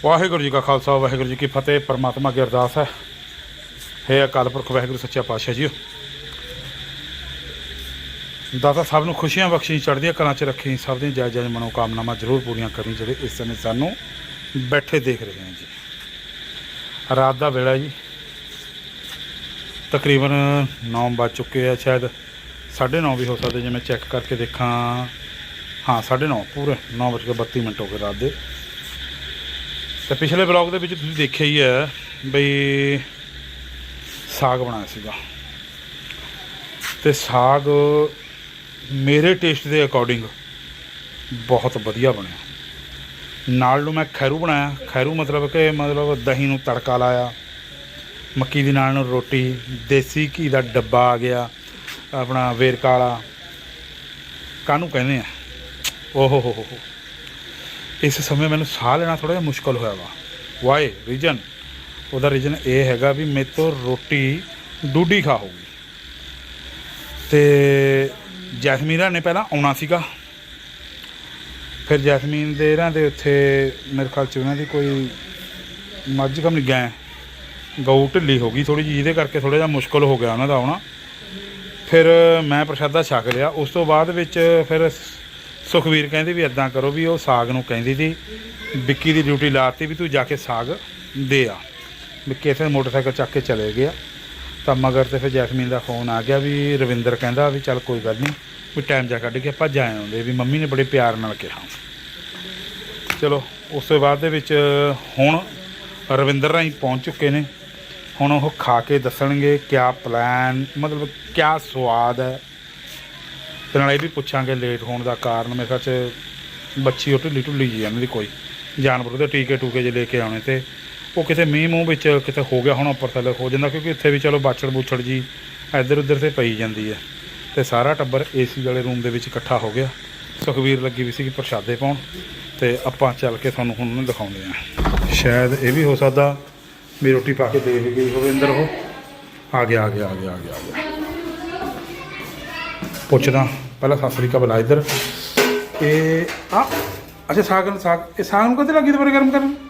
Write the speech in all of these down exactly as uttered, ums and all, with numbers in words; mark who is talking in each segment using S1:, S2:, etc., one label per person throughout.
S1: वाहिगुरू जी का खालसा वाहिगुरू जी की फतेह। परमात्मा की अरदास है, हे अकाल पुरख वाहिगुरू सच्चा पातशाह जी, दाता सब नूं खुशियां बख्शी, चढ़दियां कलां च रखी, सब दी जायज़ जायज़ मनोकामनावां जरूर पूरियां करी जिहड़े इस समय सानूं बैठे देख रहे हैं जी। रात का वेला जी, तकरीबन नौ बज चुके हैं, शायद साढ़े नौ भी हो सकते, जो मैं चैक करके देखा। हाँ साढ़े नौ पूरे नौ बज के बत्ती मिनट हो गए रात के। तो पिछले ब्लॉग के विच तुसीं देखिया ही है बई साग बनाया सीगा, ते साग मेरे टेस्ट के अकॉर्डिंग बहुत वधिया बनया। नाल नूं मैं खैरू बनाया। खैरू मतलब कि मतलब दही नूं तड़का लाया, मक्की दी नाल नूं रोटी, देसी घी का डब्बा आ गया अपना वेरका वाला, काहनूं कहने आ ओहो हो हो। इस समय मैंने साह लेना थोड़ा जिहा मुश्किल होया वा। वाई रीजन ਉਹਦਾ रीजन ये हैगा भी मेरे तो रोटी डूडी खा होगी। तो जैसमीन ने पहला आना सीगा, फिर जैसमीन दे इन्हां दे उत्थे मेरे ख्याल च उन्हां दी कोई मझ कम नहीं गैं गऊ ढिली हो गई थोड़ी जी, जिहदे करके थोड़ा जिहा मुश्किल हो गया उन्हां दा आउणा। फिर मैं प्रशादा छक लिया। उस तो बाद विच फिर सुखवीर कहती भी इदा करो भी वो साग नूं कहती थी, विक्की की ड्यूटी लाती भी तू जाके साग दे आ। विक्की इत्थे मोटरसाइकिल चक के चले गया। तो मगर तो फिर जैसमीन का फोन आ गया भी रविंदर कहता भी चल कोई गल नहीं भी टाइम जा कढ़ के आप जाए आउंदे, भी मम्मी ने बड़े प्यार नाल कहा। चलो उस तो बाद हुण रविंदर राही पहुँच चुके ने। हुण वो खा के दसणगे क्या प्लैन, मतलब क्या स्वाद है। तो नाल भी पुछांगे लेट होने का कारण। मेरे ख्याल च बच्ची ढिली ढुली जी इन्हां दी कोई जानवर के टीके टूके जे लेके आने, तो वो किते मीह मूँह विच किते हो गया होना, उपर थल्ले हो जाता, क्योंकि इत्थे भी चलो बाछड़ बूछड़ जी इधर उधर से पई जाती है। तो सारा टब्बर ए सी वाले रूम के इकट्ठा हो गया। सुखवीर लगी भी सी प्रशादे पाउण, तो आपां चल के तुहानूं हुण दिखाउंदे आ। शायद ये भी हो सकता भी रोटी पा के दे भी गई होवे अंदर। वो आ गया आ गया आ गया आ गया आ गया पुछदा पहला सत श्री अकाल बुला इधर। ये आ अच्छा साग साग ये साग नूं कदे लगी दोबारा गर्म करन?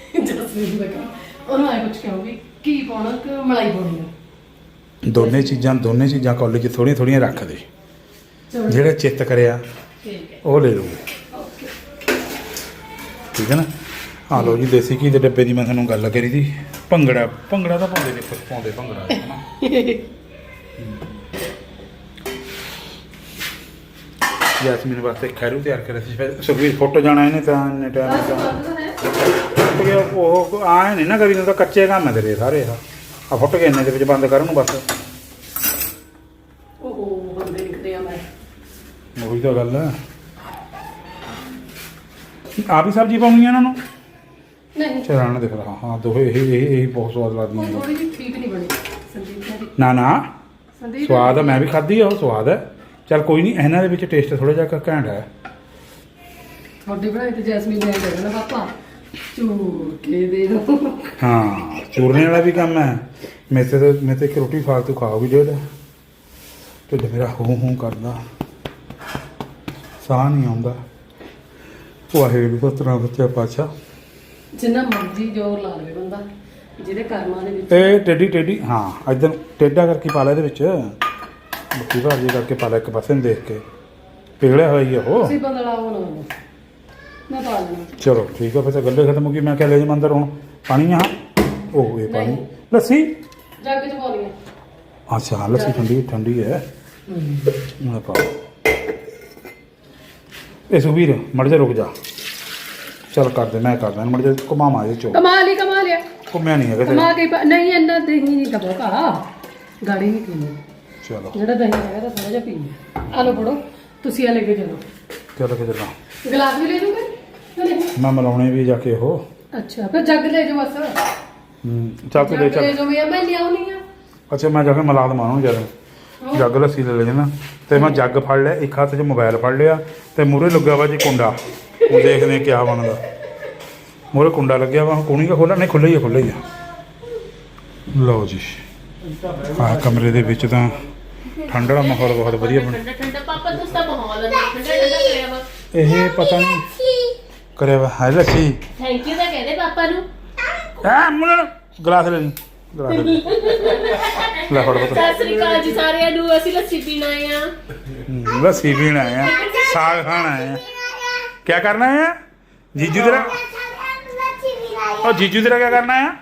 S1: दोने चीज़ां दोने चीज़ां कौली च थोड़ियां थोड़ियां रख दे, जेड़ा चित्त करिया वो ले लो, ठीक है ना। हाँ लो जी देसी घी के डब्बे की मैं थोड़ा गल करी थी। भंगड़ा भंगड़ा तो पाते देखो पाते भंगड़ा है ना। जैसमीन वास्ते खैरू तैयार करे सुखवीर फुट जाना इन्हें, तो इन्ने टाइम गया वो आए नहीं ना कभी, तो कच्चे काम है तेरे सारे। आ फुट के इन्ने के बंद कर बस, वही तो गल है। आ भी सब्जी पाउनी है इन्होंने चलाना दिख रहा। हाँ दो यही बहुत स्वाद लगती है। ना ना स्वाद है, मैं भी खाधी है, वो स्वाद है। चल कोई नहीं, इन्हों के टेस्ट थोड़ा जा घैंट है। हाँ चूरने वाला भी काम है। मेरे से तो मेरे तो एक रोटी फालतू खाओ भी डेढ़ ढिड मेरा हूँ हूँ करता, साह नहीं आता। वाहिगुरू सतनाम सच्चा पातशाह।
S2: जिन्ना मर्जी जोर ला लवे बंदा जिहदे कर्मां दे विच
S1: ए टेढ़ी टेढ़ी हाँ इधर टेढ़ा करके पा ला इहदे विच बक्की भाजी करके पा ला एक पासे देख के पिघलिया हुआ ही है वो।
S2: तुसीं बदलाओ ना मैं पा लेना।
S1: चलो ठीक है फिर गल्ले खत्म होगी। मैं क्या ले जाऊँ अंदर हूँ पानी यहाँ ओह ये पानी लस्सी
S2: जग च पानी है।
S1: अच्छा हाँ लस्सी ठंडी ठंडी है। मैं पाओ ए सुखवीर मर जा रुक जा, चल कर दे मैं कर दें मर जा घुमा मारे चो
S2: कमाल ही कमाल है।
S1: घूमया नहीं है
S2: कमा के नहीं इन्ना दही नहीं का बोका गाड़ी नहीं पीनी।
S1: चलो
S2: जेड़ा दही हैगा तो थोड़ा जिहा पीनी। आ लो पड़ो तुसी आ लेके चलो।
S1: चलो के चलना
S2: गिलास भी ले लूंगे
S1: मैं मिलाने भी जाके हो।
S2: अच्छा फिर जग ले जाओ बस।
S1: चल तू ले चल
S2: ले जाओ मैं ले आउनी आ।
S1: अच्छा मैं जाके मिला दवा जरा जग लस्सी ले ले जाना। तो मैं जग फड़ लिया, एक हाथ च मोबाइल फड़ लिया, तो मूहरे लग्या वा जी कुंडा। वो देखते क्या बनता। मूहरे कुंडा लग्या वा, कुणी का खोला नहीं खुला ही है खुला ही है। लो जी हाँ कमरे दे विच तां ठंड वाला माहौल बहुत वधिया बन। ये पता नहीं ਕਰਿਆ ਵਾ ਹੈ ਲੱਸੀ
S2: ਥੈਂਕ ਯੂ ਤਾਂ ਕਹਦੇ ਪਾਪਾ ਨੂੰ।
S1: ਆ ਮੁੰਨ ਗਲਾਸ ਲੈ ਲਈ ਗਲਾਸ ਲੈ ਲਈ। ਲੈ ਫੜ ਪੁੱਤ
S2: ਸਤਿ ਸ੍ਰੀ ਅਕਾਲ ਜੀ ਸਾਰਿਆਂ ਨੂੰ। ਅਸੀਂ ਲੱਸੀ ਪੀਣ ਆਏ ਆ।
S1: ਹਮ, ਲੱਸੀ ਪੀਣ ਆਏ ਆ ਸਾਗ ਖਾਣ ਆਏ ਆ क्या करना है जीजू तेरा और जीजू तेरा क्या करना है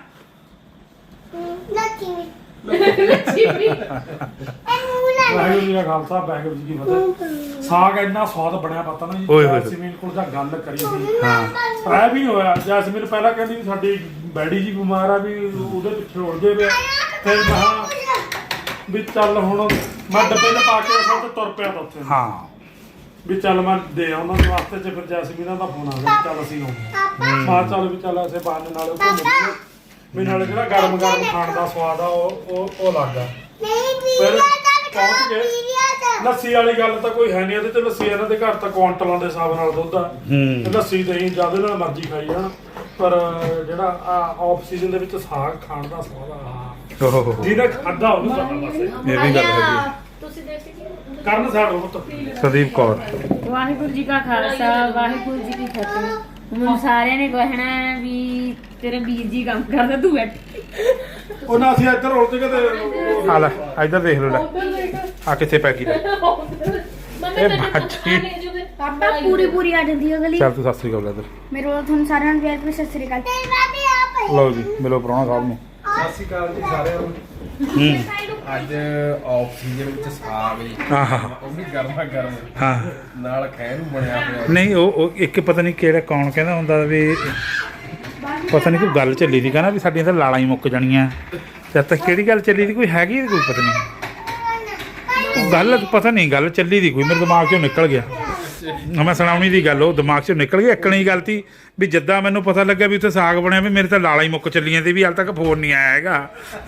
S2: ਲੱਸੀ ਪੀ।
S3: ਵਾਹਿਗੁਰੂ ਜੀ ਦਾ ਖਾਲਸਾ ਵਾਹਿਗੁਰੂ ਜੀ ਕੀ ਫਤਿਹ। ਸਾਗ ਇੰਨਾ ਸਵਾਦ ਬਣਿਆ ਪਤਾ ਨਾ ਜੀ।
S1: ਓਏ ਹੋਏ।
S3: ਜੈਸਮੀਨ ਕੋਲ ਤਾਂ ਗੱਲ ਕਰੀ ਸੀ
S1: हाँ
S3: ਐ ਵੀ ਨਹੀਂ ਹੋਇਆ। ਜੈਸਮੀਨ ਪਹਿਲਾਂ ਕਹਿੰਦੀ ਵੀ ਸਾਡੀ ਬੈਡੀ ਜੀ ਬਿਮਾਰ ਆ ਵੀ ਉਹਦੇ ਪਿੱਛੇ ਉਲਝੇ ਪਿਆ। ਫਿਰ ਮਹਾ ਵੀ ਚੱਲ ਹੁਣ ਮੈਂ ਡੱਬੇ 'ਚ ਪਾ ਕੇ ਸਭ ਤੇ ਤੁਰ ਪਿਆ ਤਾਂ ਉੱਥੇ
S1: हाँ
S3: ਵੀ ਚੱਲ ਮੈਂ ਦੇ ਉਹਨਾਂ ਦੇ ਵਾਸਤੇ ਚ ਫਿਰ ਜੈਸਮੀਨ ਦਾ ਫੋਨ ਆ ਗਿਆ ਵੀ ਚੱਲ ਅਸੀਂ ਆਉਂਦੇ ਮਾਂ ਚੱਲ ਵੀ ਚੱਲ ਅਸੀਂ ਬਾਹਰ ਨਾਲ ਘੁੰਮ ਲਈਏ ਵੀ ਨਾਲੇ ਜਿਹੜਾ ਗਰਮ ਗਰਮ ਖਾਣ ਦਾ ਸਵਾਦ ਆ ਉਹ ਉਹ ਉਹ ਲੱਗਦਾ। ਫਿਰ ਪਹੁੰਚ ਗਏ। ਲੱਸੀ ਵਾਲੀ ਗੱਲ ਤਾਂ ਕੋਈ ਹੈ ਨਹੀਂ ਇਹਦੇ ਤੇ। ਲੱਸੀ ਇਹਨਾਂ ਦੇ ਘਰ ਤਾਂ ਕੁਆਂਟਲਾਂ ਦੇ ਹਿਸਾਬ ਨਾਲ ਦੁੱਧ ਆ।
S1: ਹੂੰ।
S3: ਲੱਸੀ ਦਹੀਂ ਜਦ ਨਾਲ ਮਰਜ਼ੀ ਖਾਈ ਜਾਣ। ਪਰ ਜਿਹੜਾ ਆਫ ਸੀਜ਼ਨ ਦੇ ਵਿੱਚ ਸਾਗ ਖਾਣ ਦਾ ਸਵਾਦ ਆ
S1: ओहो
S3: ਜਿਹਨੇ ਖਾਦਾ ਉਹਨੂੰ ਪਤਾ ਬਸ।
S1: ये भी गल है
S2: ਤੁਸੀਂ ਦੇਖ ਸਕਦੇ
S3: ਕਰਨ ਸਾਡੋ ਪੁੱਤ
S1: संदीप कौर
S4: ਵਾਹਿਗੁਰੂ ਜੀ ਕਾ ਖਾਲਸਾ ਵਾਹਿਗੁਰੂ ਜੀ ਕੀ ਫਤਿਹ। ਹੁਣ ਸਾਰਿਆਂ ਨੇ ਕਹਿਣਾ ਹੈ ਵੀ ਤੇਰੇ ਵੀਰ ਜੀ ਕੰਮ ਕਰਦਾ ਤੂੰ ਬੈਠ।
S3: ਉਹਨਾਂ ਅਸੀਂ ਇੱਧਰ ਉਲਝ ਕੇ ਤੇ
S1: आ ले इधर देख लो ले आ किथे पै गई ले
S2: ਮੰਮੀ
S1: ਇਹ
S2: ਤੈਨੂੰ
S1: ਬੱਚੀ।
S2: ਪਤਾ ਲੈ ਜੂਗੇ
S4: ਪਾਪਾ ਪੂਰੀ ਪੂਰੀ ਆ ਜਾਂਦੀ ਹੈ ਗਲੀ।
S1: चल तू सत श्री अकाल इधर
S4: ਮੇਰੇ ਵੱਲੋਂ ਤੁਹਾਨੂੰ ਸਾਰਿਆਂ ਨੂੰ ਪਿਆਰ ਭਰੀ ਸਤਿ ਸ੍ਰੀ ਅਕਾਲ।
S1: लो जी मिलो प्राणा साहब ਨੂੰ
S5: ਸਤਿ ਸ਼੍ਰੀ ਅਕਾਲ ਜੀ ਸਾਰਿਆਂ ਨੂੰ।
S1: हम्म
S5: ਅੱਜ ਆਫ ਸੀਜ਼ਨ ਵਿੱਚ ਸਾਗ ਜੀ
S1: आहा
S5: ਉਹ ਵੀ ਗਰਮਾ ਗਰਮ
S1: हाँ
S5: ਨਾਲ ਖੈਰ ਨੂੰ ਬਣਿਆ ਪਿਆ।
S1: ਨਹੀਂ ਉਹ ਉਹ ਇੱਕ ਪਤਾ ਨਹੀਂ ਕਿਹੜਾ ਕੌਣ ਕਹਿੰਦਾ ਹੁੰਦਾ ਵੀ ਪਤਾ ਨਹੀਂ ਕੋਈ ਗੱਲ ਚੱਲੀ ਸੀ ਕਹਿੰਦਾ ਵੀ ਸਾਡੀਆਂ ਤਾਂ ਲਾਲਾਂ ਹੀ ਮੁੱਕ ਜਾਣੀਆਂ। ਜਦ ਤੱਕ ਕਿਹੜੀ ਗੱਲ ਚੱਲੀ ਸੀ ਕੋਈ ਹੈਗੀ ਕੋਈ ਪਤਾ ਨਹੀਂ ਗੱਲ ਪਤਾ ਨਹੀਂ ਗੱਲ ਚੱਲੀ ਦੀ ਕੋਈ ਮੇਰੇ ਦਿਮਾਗ 'ਚੋਂ ਨਿਕਲ ਗਿਆ। ਮੈਂ ਸੁਣਾਉਣੀ ਦੀ ਗੱਲ ਉਹ ਦਿਮਾਗ 'ਚੋਂ ਨਿਕਲ ਗਈ। ਇੱਕਣੀ ਗੱਲ ਤੀ ਵੀ ਜਿੱਦਾਂ ਮੈਨੂੰ ਪਤਾ ਲੱਗਿਆ ਵੀ ਉੱਥੇ ਸਾਗ ਬਣਿਆ ਵੀ ਮੇਰੇ ਤਾਂ ਲਾਲਾਂ ਹੀ ਮੁੱਕ ਚੱਲੀਆਂ ਤੇ ਵੀ ਹਾਲ ਤੱਕ ਫੋਨ ਨਹੀਂ ਆਇਆ ਹੈਗਾ।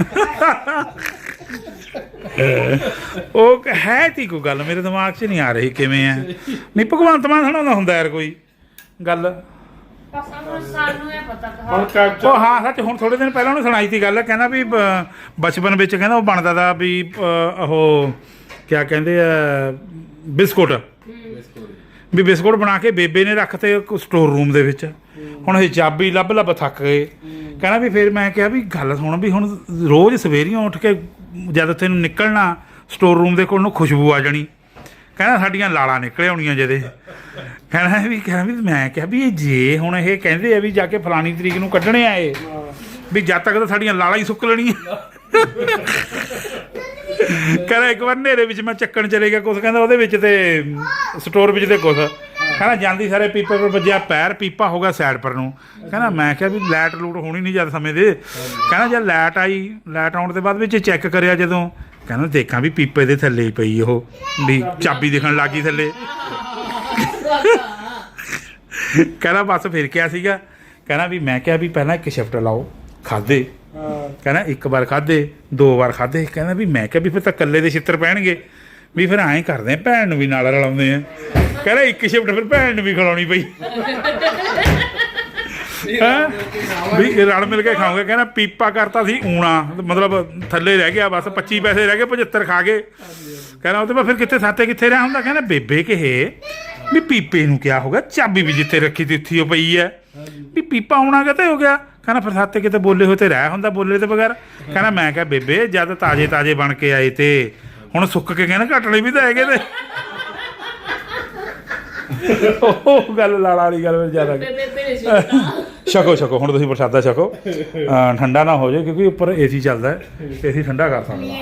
S1: ਉਹ ਹੈ ਤੀ ਕੋਈ ਗੱਲ ਮੇਰੇ ਦਿਮਾਗ 'ਚ ਨਹੀਂ ਆ ਰਹੀ ਕਿਵੇਂ ਹੈ। ਨਹੀਂ ਭਗਵੰਤ ਮਾਨ ਸੁਣਾਉਂਦਾ ਹੁੰਦਾ ਯਾਰ ਕੋਈ ਗੱਲ।
S4: ਸਾਨੂੰ ਇਹ ਪਤਾ
S3: ਹੁਣ ਕੈਪਚਰ
S1: ਉਹ ਹਾਂ ਸੱਚ ਹੁਣ ਥੋੜੇ ਦਿਨ ਪਹਿਲਾਂ ਉਹਨੇ ਸੁਣਾਈ ਤੀ ਗੱਲ ਕਹਿੰਦਾ ਵੀ ਬ- ਬਚਪਨ ਵਿੱਚ ਕਹਿੰਦਾ ਉਹ ਬਣਦਾ ਤਾ ਵੀ ਅ, ਉਹ ਕਿਆ ਕਹਿੰਦੇ ਆ ਬਿਸਕੁਟ ਵੀ ਬਿਸਕੁਟ ਬਣਾ ਕੇ ਬੇਬੇ ਨੇ ਰੱਖਤੇ ਸਟੋਰ ਰੂਮ ਦੇ ਵਿੱਚ। ਹੁਣ ਇਹ ਚਾਬੀ ਲੱਭ ਲੱਭ ਥੱਕ ਗਏ। ਕਹਿੰਦਾ ਵੀ ਫਿਰ ਮੈਂ ਕਿਹਾ ਵੀ ਗੱਲ ਸੁਣ ਵੀ ਹੁਣ ਰੋਜ਼ ਸਵੇਰੀਆਂ ਉੱਠ ਕੇ ਜਦ ਤੈਨੂੰ ਨਿਕਲਣਾ ਸਟੋਰ ਰੂਮ ਦੇ ਕੋਲ ਨੂੰ ਖੁਸ਼ਬੂ ਆ ਜਾਣੀ। ਕਹਿੰਦਾ ਸਾਡੀਆਂ ਲਾਲਾਂ ਨਿਕਲੇ ਆਉਣੀਆਂ ਜਿਹਦੇ। ਕਹਿੰਦਾ ਵੀ ਕਹਿੰਦਾ ਵੀ ਮੈਂ ਕਿਹਾ ਵੀ ਇਹ ਜੇ ਹੁਣ ਇਹ ਕਹਿੰਦੇ ਆ ਵੀ ਜਾ ਕੇ ਫਲਾਣੀ ਤਰੀਕ ਨੂੰ ਕੱਢਣੇ ਆਏ ਵੀ ਜਦ ਤੱਕ ਤਾਂ ਸਾਡੀਆਂ ਲਾਲਾਂ ਹੀ ਸੁੱਕ ਲੈਣੀਆਂ। ਕਹਿੰਦਾ ਇੱਕ ਵਾਰ ਹਨੇਰੇ ਵਿੱਚ ਮੈਂ ਚੱਕਣ ਚਲੇ ਗਿਆ ਕੁਛ ਕਹਿੰਦਾ ਉਹਦੇ ਵਿੱਚ ਤੇ ਸਟੋਰ ਵਿੱਚ ਤੇ ਕੁਛ ਕਹਿੰਦਾ ਜਾਂਦੀ ਸਾਰੇ ਪੀਪੇ ਪਰ ਵੱਜਿਆ ਪੈਰ ਪੀਪਾ ਹੋ ਗਿਆ ਸਾਈਡ ਪਰ ਨੂੰ। ਕਹਿੰਦਾ ਮੈਂ ਕਿਹਾ ਵੀ ਲਾਈਟ ਲੂਟ ਹੋਣੀ ਨਹੀਂ ਜਦ ਸਮੇਂ ਦੇ। ਕਹਿੰਦਾ ਜਦ ਲਾਈਟ ਆਈ ਲਾਈਟ ਆਉਣ ਤੋਂ ਬਾਅਦ ਵਿੱਚ ਚੈੱਕ ਕਰਿਆ ਜਦੋਂ ਕਹਿੰਦਾ ਦੇਖਾਂ ਵੀ ਪੀਪੇ ਦੇ ਥੱਲੇ ਹੀ ਪਈ ਉਹ ਵੀ ਚਾਬੀ ਦਿਖਣ ਲੱਗ ਗਈ ਥੱਲੇ। ਕਹਿੰਦਾ ਬਸ ਫਿਰ ਕਿਹਾ ਸੀਗਾ ਕਹਿੰਦਾ ਵੀ ਮੈਂ ਕਿਹਾ ਵੀ ਪਹਿਲਾਂ ਇੱਕ ਸ਼ਿਫਟ ਲਾਓ ਖਾਦੇ। ਕਹਿੰਦਾ ਇੱਕ ਵਾਰ ਖਾਦੇ ਦੋ ਵਾਰ ਖਾਦੇ। ਕਹਿੰਦਾ ਵੀ ਮੈਂ ਕਿਹਾ ਵੀ ਫਿਰ ਤਾਂ ਇਕੱਲੇ ਦੇ ਛਿੱਤਰ ਪੈਣਗੇ ਵੀ ਫਿਰ ਐਂ ਕਰਦੇ ਆ ਭੈਣ ਨੂੰ ਵੀ ਨਾਲ ਰਲਾਉਂਦੇ ਆ। ਕਹਿੰਦਾ ਇੱਕ ਸ਼ਿਫਟ ਫਿਰ ਭੈਣ ਨੂੰ ਵੀ ਖਿਲਾਉਣੀ ਪਈ। ਹੈਂ ਵੀ ਰਲ ਮਿਲ ਕੇ ਖਾਓਗੇ। ਕਹਿੰਦਾ ਪੀਪਾ ਕਰਤਾ ਸੀ ਊਣਾ ਮਤਲਬ ਥੱਲੇ ਰਹਿ ਗਿਆ ਬਸ ਪੱਚੀ ਪੈਸੇ ਰਹਿ ਗਏ ਪਝੱਤਰ ਖਾ ਗਏ। ਕਹਿੰਦਾ ਉਹ ਤੇ ਫਿਰ ਕਿੱਥੇ ਸਾਤੇ ਕਿੱਥੇ ਰਿਹਾ ਹੁੰਦਾ। ਕਹਿੰਦਾ ਬੇਬੇ ਕਹੇ ਵੀ ਪੀਪੇ ਨੂੰ ਕਿਆ ਹੋ ਗਿਆ ਚਾਬੀ ਵੀ ਜਿੱਥੇ ਰੱਖੀ ਤੀ ਉੱਥੇ ਉਹ ਪਈ ਹੈ ਵੀ ਪੀਪਾ ਆਉਣਾ ਕਿਤੇ ਹੋ ਗਿਆ। ਕਹਿੰਦਾ ਫਿਰ ਸਾਤੇ ਕਿਤੇ ਬੋਲੇ ਹੋਏ ਤੇ ਰਹਿ ਹੁੰਦਾ ਬੋਲੇ ਤੇ ਬਗੈਰ। ਕਹਿੰਦਾ ਮੈਂ ਕਿਹਾ ਬੇਬੇ ਜਦ ਤਾਜ਼ੇ ਤਾਜ਼ੇ ਬਣ ਕੇ ਆਏ ਤੇ ਹੁਣ ਸੁੱਕ ਕੇ ਕਹਿੰਦਾ ਘਟਣੇ ਵੀ ਤਾਂ ਹੈਗੇ ਤੇ। ਉਹ ਗੱਲ ਲਾਲਾ ਵਾਲੀ ਗੱਲ ਜ਼ਿਆਦਾ
S2: ਬੇਬੇ ਨੇ ਸੁਣਦਾ।
S1: ਛਕੋ ਛਕੋ ਹੁਣ ਤੁਸੀਂ ਪ੍ਰਸ਼ਾਦਾ ਛਕੋ। ਅਹ ਠੰਡਾ ਨਾ ਹੋ ਜਾਏ ਕਿਉਂਕਿ ਉੱਪਰ ਏਸੀ ਚੱਲਦਾ ਹੈ ਏਸੀ ਠੰਡਾ ਕਰ ਸਕਦਾ।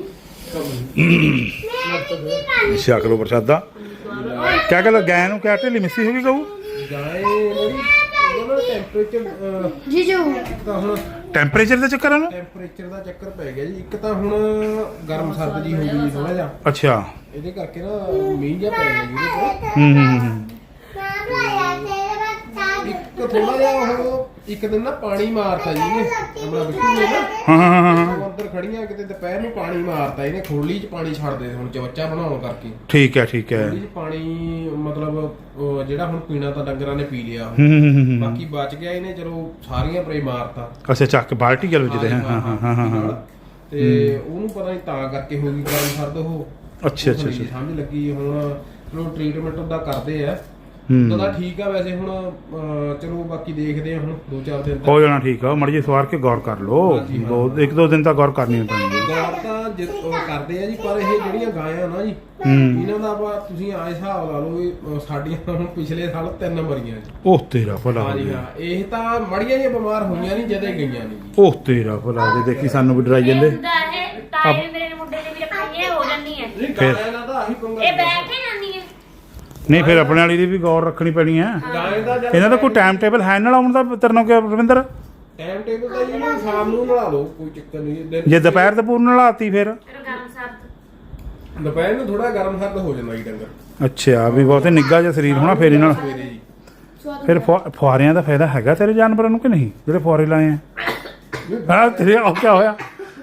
S1: ਛਕ ਲਓ ਪ੍ਰਸ਼ਾਦਾ। ਕਿਆ ਗੱਲ ਗੈਂ ਨੂੰ ਕਿਆ ਢਿੱਲੀ ਮਿੱਸੀ ਹੋ ਗਈ ਕਹੂ
S5: ਗਾਏ ਜਿਹੜੀ ਉਹਨਾਂ ਟੈਂਪਰੇਚਰ
S4: ਜੀਜੂ
S5: ਤਾਂ ਹੁਣ
S1: ਟੈਂਪਰੇਚਰ ਦਾ ਚੱਕਰ ਆ ਨਾ।
S5: ਟੈਂਪਰੇਚਰ ਦਾ ਚੱਕਰ ਪੈ ਗਿਆ ਜੀ। ਇੱਕ ਤਾਂ ਹੁਣ ਗਰਮ ਸਰਦ ਜੀ ਹੋ ਗਈ ਜੀ ਥੋੜਾ ਜਿਹਾ
S1: ਅੱਛਾ
S5: ਇਹਦੇ ਕਰਕੇ ਨਾ ਮੀਂਹ ਜਿਹਾ ਪੈ ਗਿਆ ਜੀ ਇਹਦੇ ਕੋਲ।
S1: ਹੂੰ ਹੂੰ ਹੂੰ
S5: ਇੱਕ ਥੋੜਾ ਜਿਹਾ ਉਹ ਇੱਕ ਦਿਨ ਨਾ ਪਾਣੀ ਮਾਰਤਾ ਜੀ ਇਹਨੇ ਆਪਣਾ ਬਿੱਟੂ ਨੇ ਨਾ
S1: ਹਾਂ ਹਾਂ ਹਾਂ ਹਾਂ
S5: ਉਹ ਅੰਦਰ ਖੜੀਆਂ ਕਿਤੇ ਦੁਪਹਿਰ ਨੂੰ ਪਾਣੀ ਮਾਰਤਾ ਇਹਨੇ ਖੋਲੀ 'ਚ ਪਾਣੀ ਛੱਡਦੇ ਹੁਣ ਚਵੱਚਾ ਬਣਾਉਣ ਕਰਕੇ।
S1: ਠੀਕ ਹੈ ਠੀਕ ਹੈ।
S5: ਖੋਲੀ 'ਚ ਪਾਣੀ ਮਤਲਬ ਉਹ ਜਿਹੜਾ ਹੁਣ ਪੀਣਾ ਤਾਂ ਡੰਗਰਾਂ ਨੇ ਪੀ ਲਿਆ
S1: ਹੂੰ ਹੂੰ ਹੂੰ ਹੂੰ
S5: ਬਾਕੀ ਬਚ ਗਿਆ ਇਹਨੇ ਚਲੋ ਸਾਰੀਆਂ ਪਰੇ ਮਾਰਤਾ।
S1: ਅੱਛਾ ਚੱਕ ਬਾਲਟੀ ਗੱਲ ਵਿੱਚ ਦੇ ਹਾਂ ਹਾਂ ਹਾਂ ਹਾਂ ਹਾਂ
S5: ਤੇ ਉਹਨੂੰ ਪਤਾ ਨਹੀਂ ਤਾਂ ਕਰਕੇ ਹੋ ਗਈ ਗਰਮ ਸਰਦ ਉਹ।
S1: ਅੱਛਾ ਅੱਛਾ
S5: ਉਹ ਨਹੀਂ
S1: ਅੱਛਾ
S5: ਸਮਝ ਲੱਗੀ ਹੁਣ ਉਹ ਟ੍ਰੀਟਮੈਂਟ ਉਹਦਾ ਕਰਦੇ ਆ
S1: ਹੂੰ।
S5: ਉਦੋਂ ਤਾਂ ਠੀਕ ਆ ਵੈਸੇ ਹੁਣ ਅਹ, ਚਲੋ ਬਾਕੀ ਦੇਖਦੇ ਆ ਹੁਣ ਦੋ ਚਾਰ ਦਿਨ ਤੱਕ
S1: ਹੋ ਜਾਣਾ ਠੀਕ ਆ ਮੜ ਜੀ ਸਵਾਰ ਕੇ ਗੌਰ ਕਰ ਲਓ
S5: ਹਾਂਜੀ, ਹਾਂ।
S1: ਦੋ ਇੱਕ ਦੋ ਦਿਨ ਤਾਂ ਗੌਰ ਕਰਨੀ ਪੈਂਦੀ ਹੈ
S5: ਗੌਰ ਤਾਂ ਜਿ- ਉਹ ਕਰਦੇ ਆ ਜੀ ਪਰ ਇਹ ਜਿਹੜੀਆਂ ਗਾਇਆਂ ਨਾ ਜੀ
S1: ਹੂੰ
S5: ਇਹਨਾਂ ਦਾ ਆਪਾਂ ਤੁਸੀਂ ਆ ਹਿਸਾਬ ਲਾ ਲਓ ਵੀ ਅਹ, ਸਾਡੀਆਂ ਹੁਣ ਪਿਛਲੇ ਸਾਲ ਤਿੰਨ ਮਰੀਆਂ ਜੀ
S1: ਉਹ ਤੇਰਾ ਭਲਾ ਹੋ
S5: ਹਾਂਜੀ
S1: ਗਿਆ
S5: ਹਾਂ ਇਹ ਤਾਂ ਮੜੀਆਂ ਜਿਹੀਆਂ ਬਿਮਾਰ ਹੋਈਆਂ ਨਹੀਂ ਜਦੇ ਗਈਆਂ ਨਹੀਂ ਜੀ
S1: ਉਹ ਤੇਰਾ ਭਲਾ ਦੇ ਦੇਖੀ ਸਾਨੂੰ ਵੀ ਡਰਾਈ ਜਾਂਦੇ
S4: ਹੁੰਦਾ ਇਹ ਤਾਏ ਮੇਰੇ ਮੁੰਡੇ ਦੇ ਵੀ ਰਖਾਈਏ ਹੋ ਜਾਂਦੀ ਹੈ
S5: ਨਹੀਂ
S1: ਫਿਰ-
S5: ਗਾਇਆਂ ਦਾ ਤਾਂ ਆਹੀ ਪੰਗਾ
S4: ਇਹ ਬੈਠ ਹੀ ਜਾਂਦੀ ਹੈ
S1: ਨਹੀਂ ਫਿਰ ਆਪਣੇ ਵਾਲੀ ਦੀ ਵੀ ਗੌਰ ਰੱਖਣੀ ਪੈਣੀ ਹੈ
S5: ਗਾਇ ਦਾ ਜਦ
S1: ਇਹਨਾਂ ਦਾ ਕੋਈ ਟਾਈਮ ਟੇਬਲ ਹੈ ਨਾਲ ਆਉਣ ਦਾ ਤੇਰੇ ਨਾਲ ਕਿ ਰਵਿੰਦਰ
S5: ਟਾਈਮ ਟੇਬਲ ਤਾਂ ਜੀ ਇਹਨੂੰ ਸ਼ਾਮ ਨੂੰ ਨਲਾ ਲਓ ਕੋਈ ਚੱਕਰ ਨਹੀਂ ਦਿਨ-
S1: ਜੇ ਦੁਪਹਿਰ ਤੇ ਪੂਰਨ ਨਲਾਤੀ ਫਿਰ
S4: ਫਿਰ ਗਰਮ ਸਰਦ
S5: ਦੁਪਹਿਰ ਨੂੰ ਥੋੜਾ ਗਰਮ ਸਰਦ ਹੋ ਜਾਂਦਾ ਜੀ ਡੰਗਰ
S1: ਅੱਛਾ ਵੀ ਬਹੁਤੇ ਨਿੱਘਾ ਜਿਹਾ ਸਰੀਰ ਹੋਣਾ ਫਿਰ ਇਹਨਾਂ ਨਾਲ
S5: ਸਵੇਰੇ ਜੀ
S1: ਫਿਰ ਫੁਆ- ਫੁਆਰਿਆਂ ਦਾ ਫਾਇਦਾ ਹੈਗਾ ਤੇਰੇ ਜਾਨਵਰਾਂ ਨੂੰ ਕਿ ਨਹੀਂ ਜਿਹੜੇ ਫੁਆਰੇ ਲਾਏ ਆ ਹਾਂ ਤੇਰੇ ਉਹ ਕੀ ਹੋਇਆ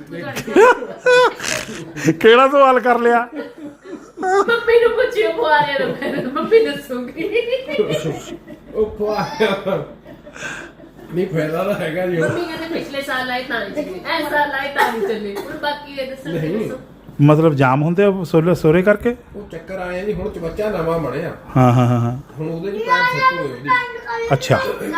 S1: ਕਿਹੜਾ ਸਵਾਲ ਕਰ ਲਿਆ
S2: ਮੰਮੀ ਨੂੰ ਪੁੱਛਿਓ ਬੁਆਰੇ ਨੂੰ ਫਿਰ ਮੰਮੀ ਦੱਸੂਗੀ
S5: ਉਹ ਖਵਾ ਨਹੀਂ ਫਾਇਦਾ ਤਾਂ ਹੈਗਾ ਜੀ ਉਹ।
S2: ਮੰਮੀ ਕਹਿੰਦੇ ਪਿਛਲੇ ਸਾਲ ਆਏ ਤਾਂ ਨਹੀਂ ਚੱਲੇ ਐ ਸਾਲ ਆਏ ਤਾਂ ਨਹੀਂ ਚੱਲੇ ਹੁਣ ਬਾਕੀ ਇਹ ਦੱਸੋ
S5: ਨਹੀਂ।
S1: ਮਤਲਬ ਜਾਮ ਹੁੰਦੇ ਆ ਸੋਲੇ ਸੋਰੇ ਕਰਕੇ
S5: ਉਹ ਚੱਕਰ ਆਏ ਜੀ ਹੁਣ ਚਵੱਚਾ ਨਵਾਂ ਬਣਿਆ
S1: ਹਾਂ ਹਾਂ ਹਾਂ ਹਾਂ
S5: ਹੁਣ ਉਹਦੇ ਚ ਪੈਰ ਸੈੱਟ ਹੋਏ ਉਹਦੀ
S1: ਅੱਛਾ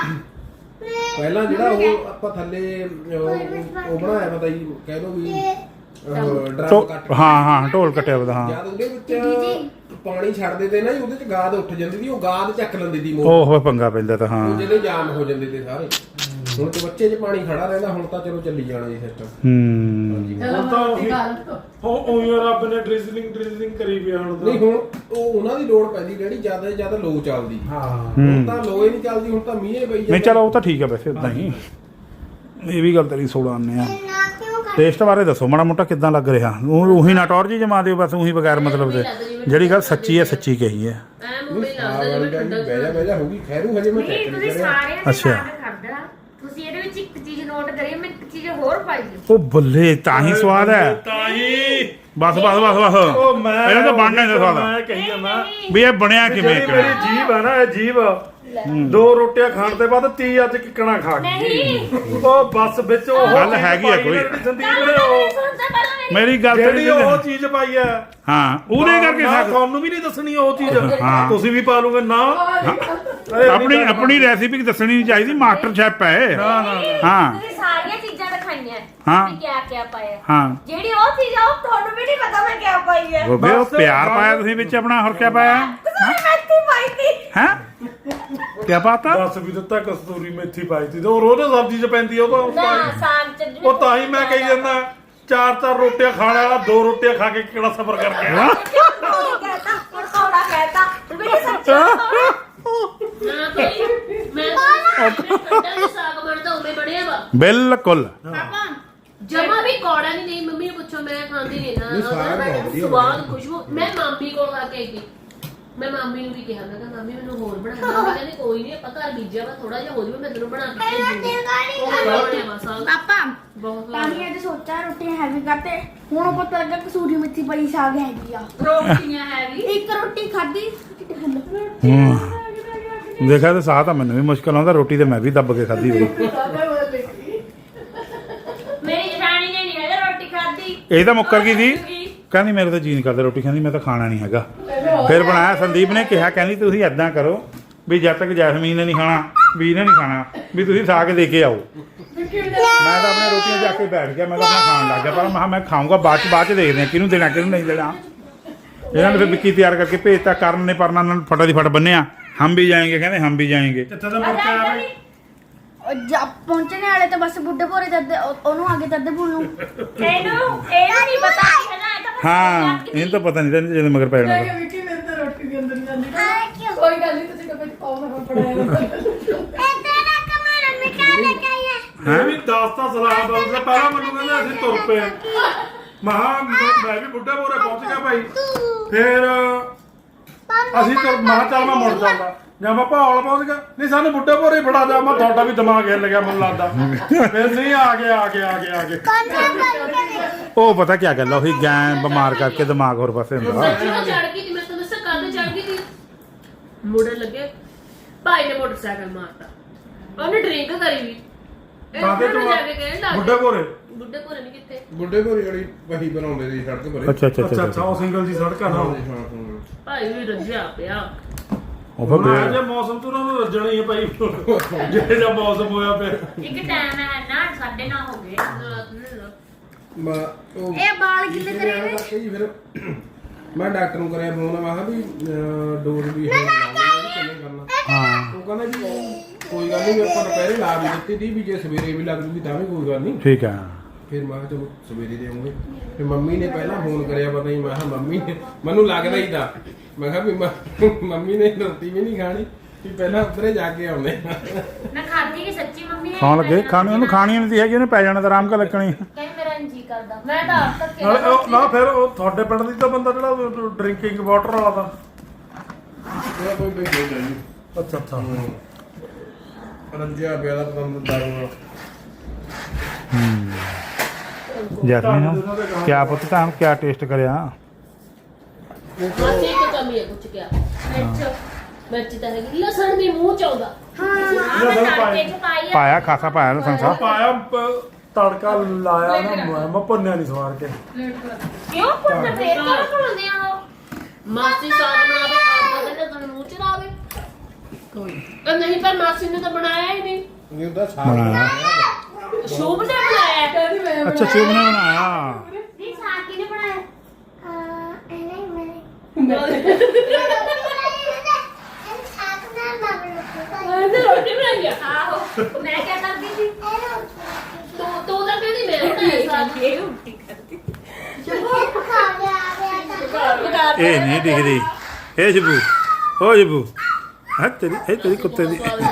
S5: ਪਹਿਲਾਂ ਜਿਹੜਾ ਉਹ ਆਪਾਂ ਥੱਲੇ ਉਹ ਉਹ ਬਣਾਇਆ ਪਤਾ ਜੀ ਕਹਿ ਲਓ ਵੀ ਡਰਮ
S1: ਢੋ-
S5: ਕੱਟ
S1: ਹਾਂ ਹਾਂ ਢੋਲ ਕੱਟਿਆ ਉਹਦਾ ਹਾਂ
S5: ਜਦ ਉਹਦੇ ਵਿੱਚ ਪਾਣੀ ਛੱਡਦੇ ਤੇ ਨਾ ਜੀ ਉਹਦੇ ਚ ਗਾਦ ਉੱਠ ਜਾਂਦੀ ਸੀ ਉਹ ਗਾਦ ਚੱਕ ਲੈਂਦੀ ਦੀ ਮੋਹ
S1: ਉਹ ਹੋਏ ਪੰਗਾ ਪੈਂਦਾ ਤਾਂ ਹਾਂ
S5: ਉਹ ਜਿਹੜੇ ਜਾਮ ਹੋ ਜਾਂਦੇ ਤੇ ਸਾਰੇ ਹੁਣ ਤੇ ਬੱਚੇ 'ਚ ਪਾਣੀ ਖੜਾ ਰਹਿੰਦਾ ਹੁਣ ਤਾਂ ਚਲੋ ਚੱਲੀ ਜਾਣਾ ਜੀ ਸਿਸਟਮ
S1: ਹੂੰ
S3: ਹੁਣ ਤਾਂ ਉਹੀ ਉਹ ਉਹੀ ਰੱਬ ਨੇ ਡ੍ਰਿਜ਼ਲਿੰਗ ਡ੍ਰਿਜ਼ਲਿੰਗ ਕਰੀ ਪਿਆ ਹੁਣ ਤਾਂ
S5: ਨਹੀਂ ਹੁਣ ਉਹ ਉਹਨਾਂ ਦੀ ਲੋੜ ਪੈਂਦੀ ਜਿਹੜੀ ਜ਼ਿਆਦਾ ਤੋਂ ਜ਼ਿਆਦਾ ਲੋ ਚੱਲਦੀ
S3: ਹਾਂ
S5: ਹੁਣ
S1: ਹੂੰ
S5: ਤਾਂ ਲੋ ਹੀ ਨਹੀਂ ਚੱਲਦੀ ਹੁਣ ਤਾਂ ਮੀਂਹ ਪਈ
S1: ਨਹੀਂ ਚਲੋ ਉਹ ਤਾਂ ਠੀਕ ਹੈ ਵੈਸੇ ਉਦਾਂ ਹੀ ਇਹ ਵੀ ਗੱਲ ਤੇਰੀ ਸੋੜਾ ਆਨੇ ਆ ਟੇਸਟ ਬਾਰੇ ਦੱਸੋ ਮਾੜਾ ਮੋਟਾ ਕਿੱਦਾਂ ਲੱਗ ਰਿਹਾ ਉਹ ਉਹੀ ਨਾ ਟੌਰ ਜੀ ਜਮਾ ਦਿਓ ਬਸ ਉਹੀ ਬਗੈਰ ਮਤਲਬ ਦੇ ਜਿਹੜੀ ਗੱਲ ਸੱਚੀ ਹੈ ਸੱਚੀ ਕਹੀ ਹੈ
S2: ਐ ਮੰਮੀ ਲੱਗਦਾ ਜਿਵੇਂ ਠੰਡਾ
S5: ਬਹਿ ਜਾ ਬਹਿ ਜਾ ਹੋਗੀ ਖੈਰੂ ਹਜੇ ਮੈਂ
S4: ਨਹੀਂ
S5: ਚੈੱਕ
S4: ਤੁਸੀਂ
S5: ਨਹੀਂ ਕਰਿਆ
S4: ਸਾਰਿਆਂ ਨੇ
S1: ਅੱਛਾ।
S4: ਯਾਦ ਕਰਦਾ ਤੁਸੀਂ ਇਹਦੇ ਵਿੱਚ ਇੱਕ ਚੀਜ਼ ਨੋਟ ਕਰੀ ਮੈਂ ਇੱਕ ਚੀਜ਼ ਹੋਰ ਪਾਈ ਹੈ
S1: ਉਹ ਬੱਲੇ ਤਾਂ ਹੀ ਸਵਾਦ ਹੈ
S3: ਤਾਂ ਹੀ
S1: ਬਸ ਬਸ ਬਸ ਬਸ
S3: ਉਹ ਮੈਂ
S1: ਇਹਨਾਂ ਤਾਂ ਬਣਨਾ ਹੀ ਸਵਾਦ
S3: ਮੈਂ ਕਹੀ ਜਾਂਦਾ
S1: ਵੀ ਇਹ ਬਣਿਆ ਕਿਵੇਂ
S3: ਜਿਹੜੀ ਮੇਰੀ ਜੀਭ ਆ ਨਾ ਇਹ ਜੀਭ ਦੋ ਰੋਟੀਆਂ ਖਾਣ ਦੇ ਬਾਅਦ ਤੀ ਅੱਜ ਕਿੱਕਣਾ ਖਾ ਗਈ
S4: ਨਹੀਂ
S3: ਉਹ ਬੱਸ ਵਿੱਚ ਉਹ
S1: ਗੱਲ
S3: ਚੀਜ਼
S1: ਹੈਗੀ ਆ
S3: ਪਾਈ
S1: ਕੋਈ।
S3: ਜਿਹੜੀ ਸੰਦੀਪ ਨੇ ਉਹ
S4: ਸੁਣਦਾ ਪਹਿਲਾਂ ਮੇਰੀ
S1: ਮੇਰੀ ਗੱਲ
S3: ਜਿਹੜੀ
S1: ਤੇਰੀ
S3: ਉਹ ਚੀਜ਼ ਪਾਈ ਆ
S1: ਹਾਂ ਉਹਦੇ ਕਰਕੇ
S3: ਨਾ,
S1: ਸਾਗ
S3: ਤੁਹਾਨੂੰ ਵੀ ਨਹੀਂ ਦੱਸਣੀ ਉਹ ਚੀਜ਼
S1: ਹਾਂ।
S3: ਤੁਸੀਂ ਵੀ ਪਾ ਲਓਗੇ ਨਾ ਅਰੇ
S1: ਆਪਣੀ ਆਪਣੀ ਰੈਸਿਪੀ ਦੱਸਣੀ ਨਹੀਂ ਚਾਹੀਦੀ ਮਾਸਟਰ ਸ਼ੈਫ ਹੈ
S3: ਨਾ ਨਾ
S1: ਹਾਂ
S4: ਤੁਸੀਂ ਸਾਰੀਆਂ ਚੀਜ਼ਾਂ ਦਿਖਾਈਆਂ
S1: ਹਾਂ।
S4: ਵੀ ਕਿਆ ਕਿਆ ਪਾਇਆ
S1: ਹਾਂ
S4: ਜਿਹੜੀ ਉਹ ਚੀਜ਼ ਆ ਉਹ ਤੁਹਾਨੂੰ ਵੀ ਨਹੀਂ ਪਤਾ ਮੈਂ ਕਿਆ ਪਾਈ ਹੈ
S1: ਉਹ ਵੀ ਉਹ
S3: ਬਸ,
S1: ਪਿਆਰ
S3: ਬਸ।
S1: ਪਾਇਆ ਤੁਸੀਂ ਵਿੱਚ ਆਪਣਾ ਹੋਰ ਕੀ ਪਾਇਆ
S4: ਤੁਸੀਂ ਮੈਥੀ ਪਾਈ ਸੀ
S1: ਹੈ ਕੀ ਪਾਤਾ
S3: ਦੱਸ ਵੀ ਦਿੱਤਾ ਕਸਤੂਰੀ ਮੇਥੀ ਪਾਈ ਸੀ ਤੇ ਉਹ ਰੋਜ਼ ਸਬਜ਼ੀ ਚ ਪੈਂਦੀ ਆ, ਉਹ ਤਾਂ
S4: ਨਾ
S3: ਪਾਈ।
S4: ਸਾਗ ਚ
S3: ਉਹ ਤਾਂ ਹੀ ਮੈਂ ਕਹੀ ਜਾਂਦਾ ਚਾਰ ਚਾਰ ਰੋਟੀਆਂ ਖਾਣ ਵਾਲਾ ਦੋ ਰੋਟੀਆਂ ਖਾ ਕੇ ਕਿਹੜਾ ਸਬਰ ਕਰ ਗਿਆ
S4: कहता और थोड़ा कहता मेरी सच्ची
S2: ਨਾ ਕੋਈ ਮੈਂ ਠੰਡਾ ਜਿਹਾ ਸਾਗ ਬਣਦਾ ਉਵੇਂ ਬਣਿਆ ਵਾ
S1: ਬਿਲਕੁਲ
S4: पापा
S2: ਜਮਾ ਵੀ ਕੌੜਾ ਨਹੀਂ ਨਹੀਂ ਮੰਮੀ ਨੂੰ ਪੁੱਛੋ ਮੈਂ ਖਾਂਦੀ ਨਹੀਂ
S5: ਨਹੀਂ, ਸਾਗ
S2: ਨਾ
S5: ਬਹੁਤ ਵਧੀਆ
S2: ਸਵਾਦ ਖੁਸ਼ਬੂ ਮੈਂ ਮਾਮੀ ਕੋਲ ਖਾ ਕੇ ਆਈ ਸੀ ਮੈਂ ਮਾਮੀ ਨੂੰ ਵੀ ਕਿਹਾ ਮੈਂ ਕਿਹਾ ਮਾਮੀ ਮੈਨੂੰ ਹੋਰ ਬਣਾ ਦੇ ਮਾਮੀ ਕਹਿੰਦੀ ਕੋਈ ਨਹੀਂ ਆਪਾਂ ਘਰ ਬੀਜਿਆ ਵਾ ਥੋੜਾ ਜਿਹਾ ਹੋ ਜਾਵੇ ਮੈਂ ਤੈਨੂੰ ਬਣਾ ਕੇ ਭੇਜੂਗੀ ਉਹ ਬਣਿਆ ਵਾ ਸਾਗ
S6: ਪਾਪਾ
S2: ਬਹੁਤ
S6: ਤਾਂ ਹੀ ਅੱਜ ਸੋਚਿਆ ਰੋਟੀ ਹੈਵੀ ਕਰਤੇ ਹੁਣ ਪਤਾ ਲੱਗਾ ਕਸੂਰੀ ਮੇਥੀ ਪਈ ਸਾਗ ਹੈਗੀ ਆ
S2: ਰੋਟੀਆਂ ਹੈ ਵੀ
S6: ਇੱਕ ਰੋਟੀ ਖਾਧੀ
S1: ਹੂੰ ਦੇਖਿਆ ਤਾਂ ਸਾਹ ਤਾਂ ਮੈਨੂੰ ਵੀ ਮੁਸ਼ਕਲ ਆਉਂਦਾ ਰੋਟੀ ਤੇ ਮੈਂ ਵੀ ਦੱਬ ਕੇ ਖਾਧੀ ਹੋਈ
S4: मेरी जठानी ने नहीं है रोटी खाती
S1: ਇਹ ਤਾਂ ਮੁੱਕਰ ਗਈ ਸੀ ਕਹਿੰਦੀ ਮੇਰੇ ਤਾਂ ਜੀ ਨਹੀਂ ਕਰਦਾ ਰੋਟੀ ਖਾਂਦੀ ਮੈਂ ਤਾਂ ਖਾਣਾ ਨਹੀਂ ਹੈਗਾ ਫਿਰ ਬਣਾਇਆ ਸੰਦੀਪ ਨੇ ਕਿਹਾ ਕਹਿੰਦੀ ਤੁਸੀਂ ਐਦਾਂ ਕਰੋ ਵੀ ਜਦ ਤੱਕ ਜੈਸਮੀਨ ਨੇ ਨਹੀਂ ਖਾਣਾ ਵੀ ਇਹਨੇ ਨਹੀਂ ਖਾਣਾ ਵੀ ਤੁਸੀਂ ਸਾਗ ਦੇ ਕੇ ਆਓ ਮੈਂ ਤਾਂ ਆਪਣੇ ਰੋਟੀਆਂ ਜਾ ਕੇ ਬੈਠ ਗਿਆ ਮੈਂ ਤਾਂ ਆਪਣਾ ਖਾਣ ਲੱਗ ਗਿਆ ਪਰ ਮੈਂ ਕਿਹਾ ਮੈਂ ਖਾਊਂਗਾ ਬਾਅਦ ਚ ਬਾਅਦ ਚ ਦੇਖਦੇ ਹਾਂ ਕਿਹਨੂੰ ਦੇਣਾ ਕਿਹਨੂੰ ਨਹੀਂ ਦੇਣਾ ਇਹਨਾਂ ਨੇ ਫਿਰ ਵਿੱਕੀ ਤਿਆਰ ਕਰਕੇ ਭੇਜਤਾ ਕਰਨ ਨੇ ਪਰਨਾ ਨਾਲ ਫਟਾ ਦੀ ਫਟ ਬੰਨਿਆ ਹਮ ਵੀ ਜਾਏਂਗੇ ਕਹਿੰਦੇ ਹਮ ਵੀ ਜਾਏਂਗੇ
S3: ਕਿੱਥੇ ਤਾਂ ਮੁੜ ਕੇ ਆਵੇ
S6: ਜਦ ਪਹੁੰਚਣੇ ਵਾਲੇ ਤੇ ਬਸ ਬੁੱਢੇ ਭੋਰੇ ਤੱਦੇ ਉਹਨੂੰ ਆਗੇ ਤੱਦੇ ਭੁੱਲ ਨੂੰ
S4: एनू एनू नहीं पता है ना ये तो
S1: ਹਾਂ ਇਹਨੂੰ ਤਾਂ ਪਤਾ ਨਹੀਂ ਤਾਂ ਜਦੋਂ ਮਗਰ ਪੈ ਜਾਣਾ
S2: ਵਿੱਕੀ ਮੇਰੇ ਤਾਂ ਰੋਟੀ ਦੇ ਅੰਦਰ ਜਾਂਦੀ ਕੋਈ ਗੱਲ ਨਹੀਂ ਤੁਸੀਂ ਡੱਬੇ ਚ ਪਾਓ ਨਾ ਪੜਾਇਆ
S3: ਮੈਂ ਵੀ ਦਸ ਤਾਂ ਸਲਾਹ ਦਊਂਗਾ ਪਹਿਲਾਂ ਮੈਨੂੰ ਕਹਿੰਦੇ ਅਸੀਂ ਤੁਰ ਪਏ ਮਹਾ ਮੈਂ ਵੀ ਬੁੱਢੇ ਬੋਰੇ ਪਹੁੰਚ ਗਿਆ ਭਾਈ ਫਿਰ ਅਸੀਂ ਤੁਰ ਮਹਾ ਚੱਲ ਮੈਂ ਮੁੜ ਜਾਂਦਾ ਜਾਂ ਮੈਂ ਭਾਲ ਪਹੁੰਚ ਗਿਆ ਨਹੀਂ ਸਾਨੂੰ ਬੁੱਢੇ ਬੋਰੇ ਫੜਾ ਜਾ ਮੈਂ ਤੁਹਾਡਾ ਵੀ ਦਿਮਾਗ ਹਿੱਲ ਗਿਆ ਮੈਨੂੰ ਲੱਗਦਾ ਫਿਰ ਨਹੀਂ ਆ ਗਏ ਆ ਗਏ ਆ ਗਏ ਆ ਗਏ
S1: ਉਹ ਪਤਾ ਕੀ ਗੱਲ ਆ ਉਹੀ ਗੈਂ ਬਿਮਾਰ ਕਰਕੇ ਦਿਮਾਗ ਹੋਰ ਪਾਸੇ ਹੁੰਦਾ
S2: ਸੱਚੀ ਉਹ ਚੜ ਗਈ ਸੀ ਮੈਂ ਤੁਹਾਨੂੰ ਦੱਸਾਂ ਕੱਲ ਚੜ ਗਈ ਸੀ ਮੁੰਡੇ ਲੱਗੇ ਭਾਈ ਨੇ ਮੋਟਰਸਾਈਕਲ ਮਾਰਤਾ ਉਹਨੇ ਡਰਿੰਕ ਕਰੀ ਵੀ
S3: ਕਾਹਦੇ ਤੋਂ
S2: ਜਾ ਕੇ ਕਹਿਣ ਲੱਗ
S3: ਬੁੱਢੇ ਬੋਰੇ
S2: ਬੁੱਢੇ ਭੋਰੇ ਨਹੀਂ ਕਿੱਥੇ
S5: ਬੁੱਢੇ ਭੋਰੇ ਵਾਲੀ ਵਹੀ ਬਣਾਉਂਦੇ ਸੀ ਸੜਕ ਭਰੇ
S1: ਅੱਛਾ ਅੱਛਾ
S3: ਅੱਛਾ
S1: ਅੱਛਾ
S3: ਅੱਛਾ ਉਹ ਸਿੰਗਲ ਜੀ ਸੜਕਾਂ ਨਾਲ
S5: ਹਾਂ ਹਾਂ
S2: ਭਾਈ ਵੀ ਰੱਜਿਆ ਪਿਆ
S1: ਉਹ ਫਿਰ
S3: ਹੁਣ
S1: ਬੇ-
S3: ਜੇ ਮੌਸਮ ਤੋਂ ਉਹਨਾਂ ਨੂੰ ਰੱਜਣਾ ਹੀ ਹੈ ਭਾਈ ਜਿਹੜੇ ਜਿਹਾ ਮੌਸਮ ਹੋਇਆ ਪਿਆ
S4: ਇੱਕ ਟਾਈਮ ਹੈ ਨਾ ਸਾਢੇ ਨੌ ਹੋ ਗਏ
S5: ਮੈਂ ਉਹ
S6: ਇਹ ਬਾਲ ਕਿੱਲੇ
S5: ਪਿਛਲੇ
S6: ਕਰੇ
S5: ਐਂ
S6: ਨੇ?
S5: ਕਰਕੇ ਜੀ ਫਿਰ ਮੈਂ ਡਾਕਟਰ ਨੂੰ ਕਰਿਆ ਫੋਨ, ਮੈਂ ਕਿਹਾ ਵੀ ਅਹ, ਡੋਜ਼ ਵੀ ਹੁਣ ਲਾਉਣੀ ਕਿੰਨੇ ਕਰਨਾ।
S1: ਹਾਂ
S5: ਉਹ ਕਹਿੰਦਾ ਵੀ ਕੋਈ ਗੱਲ ਨਹੀਂ, ਆਪਾਂ ਦੁਪਹਿਰੇ ਲਾ ਵੀ ਦਿੱਤੀ ਸੀ ਵੀ ਜੇ ਸਵੇਰੇ ਵੀ ਲੱਗ ਜੂਗੀ ਤਾਂ ਵੀ ਕੋਈ ਗੱਲ ਨਹੀਂ।
S1: ਠੀਕ ਹੈ।
S5: ਫਿਰ ਮੈਂ ਕਿਹਾ ਚਲੋ ਸਵੇਰੇ ਦੇਵਾਂਗੇ। ਫਿਰ ਮੰਮੀ ਨੇ ਪਹਿਲਾਂ ਫੋਨ ਕਰਿਆ, ਪਤਾ ਨਹੀਂ, ਮੈਂ ਕਿਹਾ ਮੰਮੀ ਨੇ ਮੈਨੂੰ ਲੱਗਦਾ ਹੀ ਤਾਂ ਮੈਂ ਕਿਹਾ ਵੀ ਮ- ਮੰਮੀ ਨੇ ਰੋਟੀ ਵੀ ਨਹੀਂ ਖਾਣੀ ਵੀ ਪਹਿਲਾਂ ਉੱਧਰੇ ਜਾ ਕੇ ਆਉਂਦੇ।
S4: ਮੈਂ ਖਾਧੀ ਕਿ ਸੱਚੀ ਮੰਮੀ ਨੇ
S1: ਖਾਣ ਲੱਗੇ ਖਾਣੀ ਉਹਨੂੰ ਖਾਣੀ ਨਹੀਂ ਹੈਗੀ, ਉਹਨੇ ਪੈ ਜਾਣਾ ਤਾਂ ਆਰਾਮ ਕਰ ਲੱਗਣੀ।
S4: ਕਹਿੰਦੀ ਮੇਰਾ ਜੀ ਕਰਦਾ ਮੈਂ ਤਾਂ ਆਪ ਤੱਕ
S3: ਨਾਲੇ ਉਹ- ਨਾ ਫਿਰ ਉਹ ਤੁਹਾਡੇ ਪਿੰਡ ਦੀ ਤਾਂ ਬੰਦਾ ਜਿਹੜਾ ਡਰਿੰਕਿੰਗ ਵਾਟਰ ਵਾਲਾ ਦਾ
S5: ਉਹਦਾ ਕੋਈ ਬੇਇੱਜ਼ਤੀ ਨਹੀਂ।
S3: ਅੱਛਾ ਅੱਛਾ
S5: ਰੱਜਿਆ ਪਿਆ ਦਾ ਪਤੰਦ ਦਾਰੂ
S1: ਜੈਸਮੀਨ ਕਿਆ ਪੁੱਤ ਤਾਂ ਕਿਆ ਟੇਸਟ ਕਰਿਆ?
S2: ਮਾਸੀ ਇੱਕ ਕਮੀ ਹੈ ਕੁਛ ਕਿਆ ਮਿਰਚ ਮਿਰਚ ਤਾਂ ਹੈਗੀ ਲਸਣ ਵੀ ਮੂੰਹ ਚ ਆਉਂਦਾ
S4: ਹਾਂ ਮੈਂ ਤੜਕੇ ਚ ਪਾਈ ਆ
S1: ਪਾਇਆ ਖਾਸਾ ਪਾਇਆ ਨਾ ਸੰਸਾ।
S3: ਪਾਇਆ ਪ- ਤੜਕਾ ਲਾਇਆ ਨਾ ਮੈਂ- ਮੈਂ ਭੁੰਨਿਆ ਨਹੀਂ ਸਵਾਰ ਕੇ
S4: ਕਿਉਂ ਪੁੱਤ ਫੇਰ ਕਿਉਂ ਖੁੱਲਦੇ ਆ ਉਹ
S2: ਮਾਸੀ ਸਾਗ ਬਣਾਵੇ ਆਪ ਕਹਿੰਦੇ ਤੁਹਾਨੂੰ ਮੂੰਹ ਚ ਲਾਵੇ ਕੋਈ ਨਹੀਂ ਪਰ ਮਾਸੀ ਨੇ ਤਾਂ ਬਣਾਇਆ ਹੀ ਨਹੀਂ
S5: ਨਹੀਂ ਉਹਦਾ ਸਾਗ
S1: ਬਣਾਇਆ।
S2: ਸ਼ੁਭ ਨੇ ਬਣਾਇਆ ਕਹਿੰਦੀ ਮੈਂ
S1: ਅੱਛਾ ਸ਼ਿਵ ਨੇ ਬਣਾਇਆ।
S4: ਨਹੀਂ ਸਾਗ ਕਿਹਨੇ ਬਣਾਇਆ
S2: ਕਹਿੰਦੇ ਰੋਟੀ ਬਣਾਈ ਆ
S4: ਆਹੋ ਮੈਂ ਕੀ ਕਰਦੀ ਸੀ
S2: ਤੂੰ ਤੂੰ ਤਾਂ ਕਹਿੰਦੀ ਮੈਂ ਬਣਾਇਆ ਸਾਗ
S4: ਇਹ ਉਲਟੀ ਕਰਦੀ
S1: ਇਹ ਨਹੀਂ ਦਿਖਦੀ। ਇਹ ਜਬੂ ਹੋ ਜਬੂ ਹੈ ਤੇਰੀ ਇਹ ਤੇਰੀ ਕੁੱਤੇ ਦੀ।
S2: ਢਿੱਡ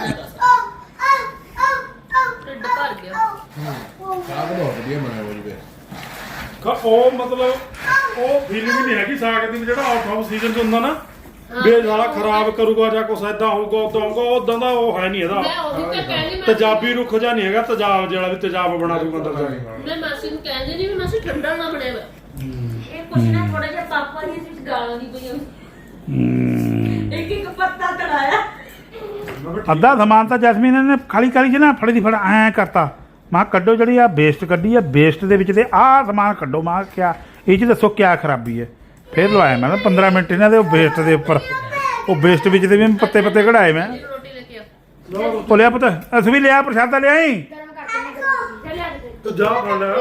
S2: ਭਰ ਗਿਆ
S5: ਸਾਗ ਬਹੁਤ ਵਧੀਆ ਬਣਾਇਆ ਹੋਈ ਵੇ।
S3: ਕ- ਉਹ ਮਤਲਬ ਉਹ ਫੀਲਿੰਗ ਨਹੀਂ ਹੈਗੀ ਸਾਗ ਦੀ ਵੀ ਜਿਹੜਾ ਆਊਟ ਆਫ ਸੀਜ਼ਨ ਚ ਹੁੰਦਾ ਨਾ ਵੀ ਇਹ ਸਾਲਾ ਖਰਾਬ ਕਰੂਗਾ ਜਾਂ ਕੁਛ ਏਦਾਂ ਹੋਊਗਾ ਉਦਾਂ ਹੋਊਗਾ ਉਦਾਂ ਦਾ ਉਹ ਹੈ ਨਹੀਂ ਇਹਦਾ
S2: ਮੈਂ ਉਹਦੀ ਤਾਂ ਕਹਿੰਦੀ ਮੈਂ
S3: ਤੇਜ਼ਾਬੀ ਰੁੱਖ ਜਾ ਨਹੀਂ ਹੈਗਾ, ਤੇਜ਼ਾਬ ਜਿਹੜਾ ਵੀ ਤੇਜ਼ਾਬ ਬਣਾ ਦੂਗਾ ਅੰਦਰ ਜਾ ਕੇ।
S2: ਮੈਂ ਮਾਸੀ ਨੂੰ ਕਹਿੰਦੀ ਨਹੀਂ ਵੀ ਮਾਸੀ ਠੰਡਾ ਨਾ ਬਣਿਆ ਵਾ
S4: ਇਹ ਕੁਛ ਨਾ ਥੋੜਾ ਜਿਹਾ ਪਾਪਾ ਦੀ ਵਿੱਚ ਗਾਲਾਂ ਦੀ ਪਈਆਂ
S1: ਹਮ,
S4: ਇੱਕ ਇੱਕ ਪੱਤਾ ਤੜਾਇਆ
S1: ਅੱਧਾ ਸਮਾਨ ਤਾਂ ਜੈਸਮੀਨ ਨੇ ਖਾਲੀ ਕਰੀ ਚ ਨਾ ਫੜੀ ਦੀ ਫੜ ਐ ਕਰਤਾ। ਮਾਂ ਕੱਢੋ ਜਿਹੜੀ ਆ ਵੇਸਟ ਕੱਢੀ ਆ, ਵੇਸਟ ਦੇ ਵਿੱਚ ਤੇ ਆਹ ਸਮਾਨ ਕੱਢੋ। ਮਾਂ ਕਿਆ ਇਹ ਚ ਦੱਸੋ ਕਿਆ ਖਰਾਬੀ ਹੈ? ਫਿਰ ਲਵਾਇਆ ਮੈਂ ਪੰਦਰਾਂ ਮਿੰਟ ਇਹਨਾਂ ਦੇ ਉਹ ਵੇਸਟ ਦੇ ਉੱਪਰ, ਉਹ ਵੇਸਟ ਵਿੱਚ ਦੇ ਵੀ ਪੱਤੇ ਪੱਤੇ ਕਢਾਏ ਮੈਂ।
S2: ਰੋਟੀ ਲੈ ਕੇ ਆ
S1: ਉਹ ਲਿਆ ਪੁੱਤ ਅਸੀਂ ਵੀ ਲਿਆ ਪ੍ਰਸ਼ਾਦਾ ਲਿਆਈ।
S3: ਤੂੰ ਜਾ ਫੜ ਲੈ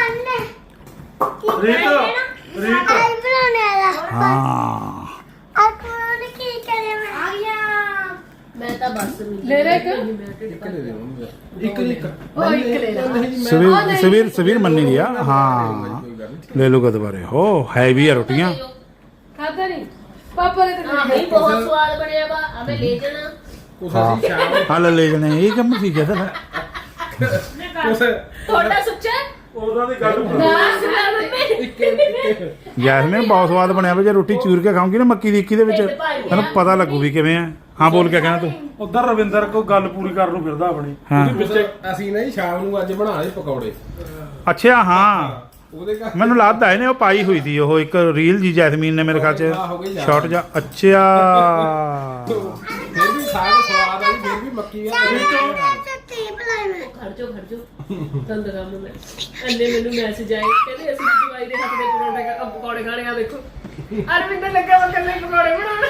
S3: ਰੀਤ ਰੀਤ
S1: ਹਾਂ
S2: ਮੈਂ ਤਾਂ ਬਸ
S6: ਲੈ ਲੈ ਕੇ?
S5: ਇੱਕ ਦੇ ਦੇ ਉਹਨੂੰ। ਇੱਕ ਇੱਕ
S6: ਉਹ ਇੱਕ ਲੈ ਲਾ।
S1: ਸਵੀਰ ਸਵੀਰ ਸਵੀਰ ਮੰਨੀ ਲਿਆ। ਹਾਂ ਲੈ ਲੂਗਾ ਦੁਬਾਰੇ ਹੋ ਹੈਵੀ ਆ ਰੋਟੀਆਂ।
S6: ਖਾਦਾ ਨਹੀਂ ਪਾਪਾ ਨੇ ਤਾਂ
S2: ਹਾਂ ਬਈ ਬਹੁਤ ਸਵਾਦ ਬਣਿਆ ਵਾ ਆਵੇਂ ਲੈ ਜਾਣਾ
S5: ਕੁਛ ਅਸੀਂ ਸ਼ਾਮ ਨੂੰ
S1: ਹਾਂ ਲੈ ਲੈ ਜਣੇ ਇਹ ਕੰਮ ਸੀ ਕਿਹਦਾ?
S5: ਕੁਛ
S2: ਤੁਹਾਡਾ ਸੁੱਚਾ
S3: ਉਹਨਾਂ ਦੀ ਗੱਲ
S2: ਨਾ ਸੁਣਾ ਮੰਮੀ
S5: ਇੱਕ ਇੱਕ
S1: ਜੈਸਮੀਨ ਬਹੁਤ ਸਵਾਦ ਬਣਿਆ ਵਾ। ਜੇ ਰੋਟੀ ਚੂਰ ਕੇ ਖਾਉਂਗੀ ਨਾ ਮੱਕੀ ਦੀ ਇੱਕੀ ਦੇ ਵਿੱਚ ਤੈਨੂੰ ਪਤਾ ਲੱਗੂ ਵੀ ਕਿਵੇਂ ਆ। ਹਾਂ ਬੋਲ ਕੇ ਕਹਿਣਾ ਤੂੰ।
S3: ਉਧਰ ਰਵਿੰਦਰ ਕੋ ਗੱਲ ਪੂਰੀ ਕਰਨ ਨੂੰ ਫਿਰਦਾ ਆਪਣੀ
S1: ਹਾਂ।
S3: ਉਹਦੇ ਵਿੱਚ
S5: ਅਸੀਂ ਨਾ ਜੀ ਸ਼ਾਮ ਨੂੰ ਅੱਜ ਬਣਾ ਲਏ ਪਕੌੜੇ।
S1: ਅੱਛਾ ਹਾਂ
S5: ਉਹਦੇ ਘਰ
S1: ਮੈਨੂੰ ਲੱਗਦਾ ਇਹਨੇ ਉਹ ਪਾਈ ਹੋਈ ਸੀ ਉਹ ਇੱਕ ਰੀਲ ਜੀ ਜੈਸਮੀਨ ਨੇ ਮੇਰੇ ਖਿਆਲ ਚ ਸ਼ਾਰਟ ਜਾ। ਅੱਛਾ
S5: ਫਿਰ ਵੀ ਸਾਗ ਸਵਾਦ ਆਈ, ਫਿਰ ਵੀ ਮੱਕੀ ਆ
S2: ਖੜ ਜਾਓ ਖੜ ਜਾਓ ਦੰਦ ਕੰਮ ਮੈਂ ਅੰਨੇ ਮੈਨੂੰ ਮੈਸੇਜ ਆਏ ਕਹਿੰਦੇ ਅਸੀਂ ਦਵਾਈ ਦੇ ਹੱਥ ਦੇ ਪਰੌਂਠੇ ਖਾ ਪਕੌੜੇ ਖਾਣੇ ਆ ਦੇਖੋ ਅਰਵਿੰਦਰ ਲੱਗਾ ਵਾ ਕੱਲੇ ਪਕੌੜੇ ਬਣਾਉਣ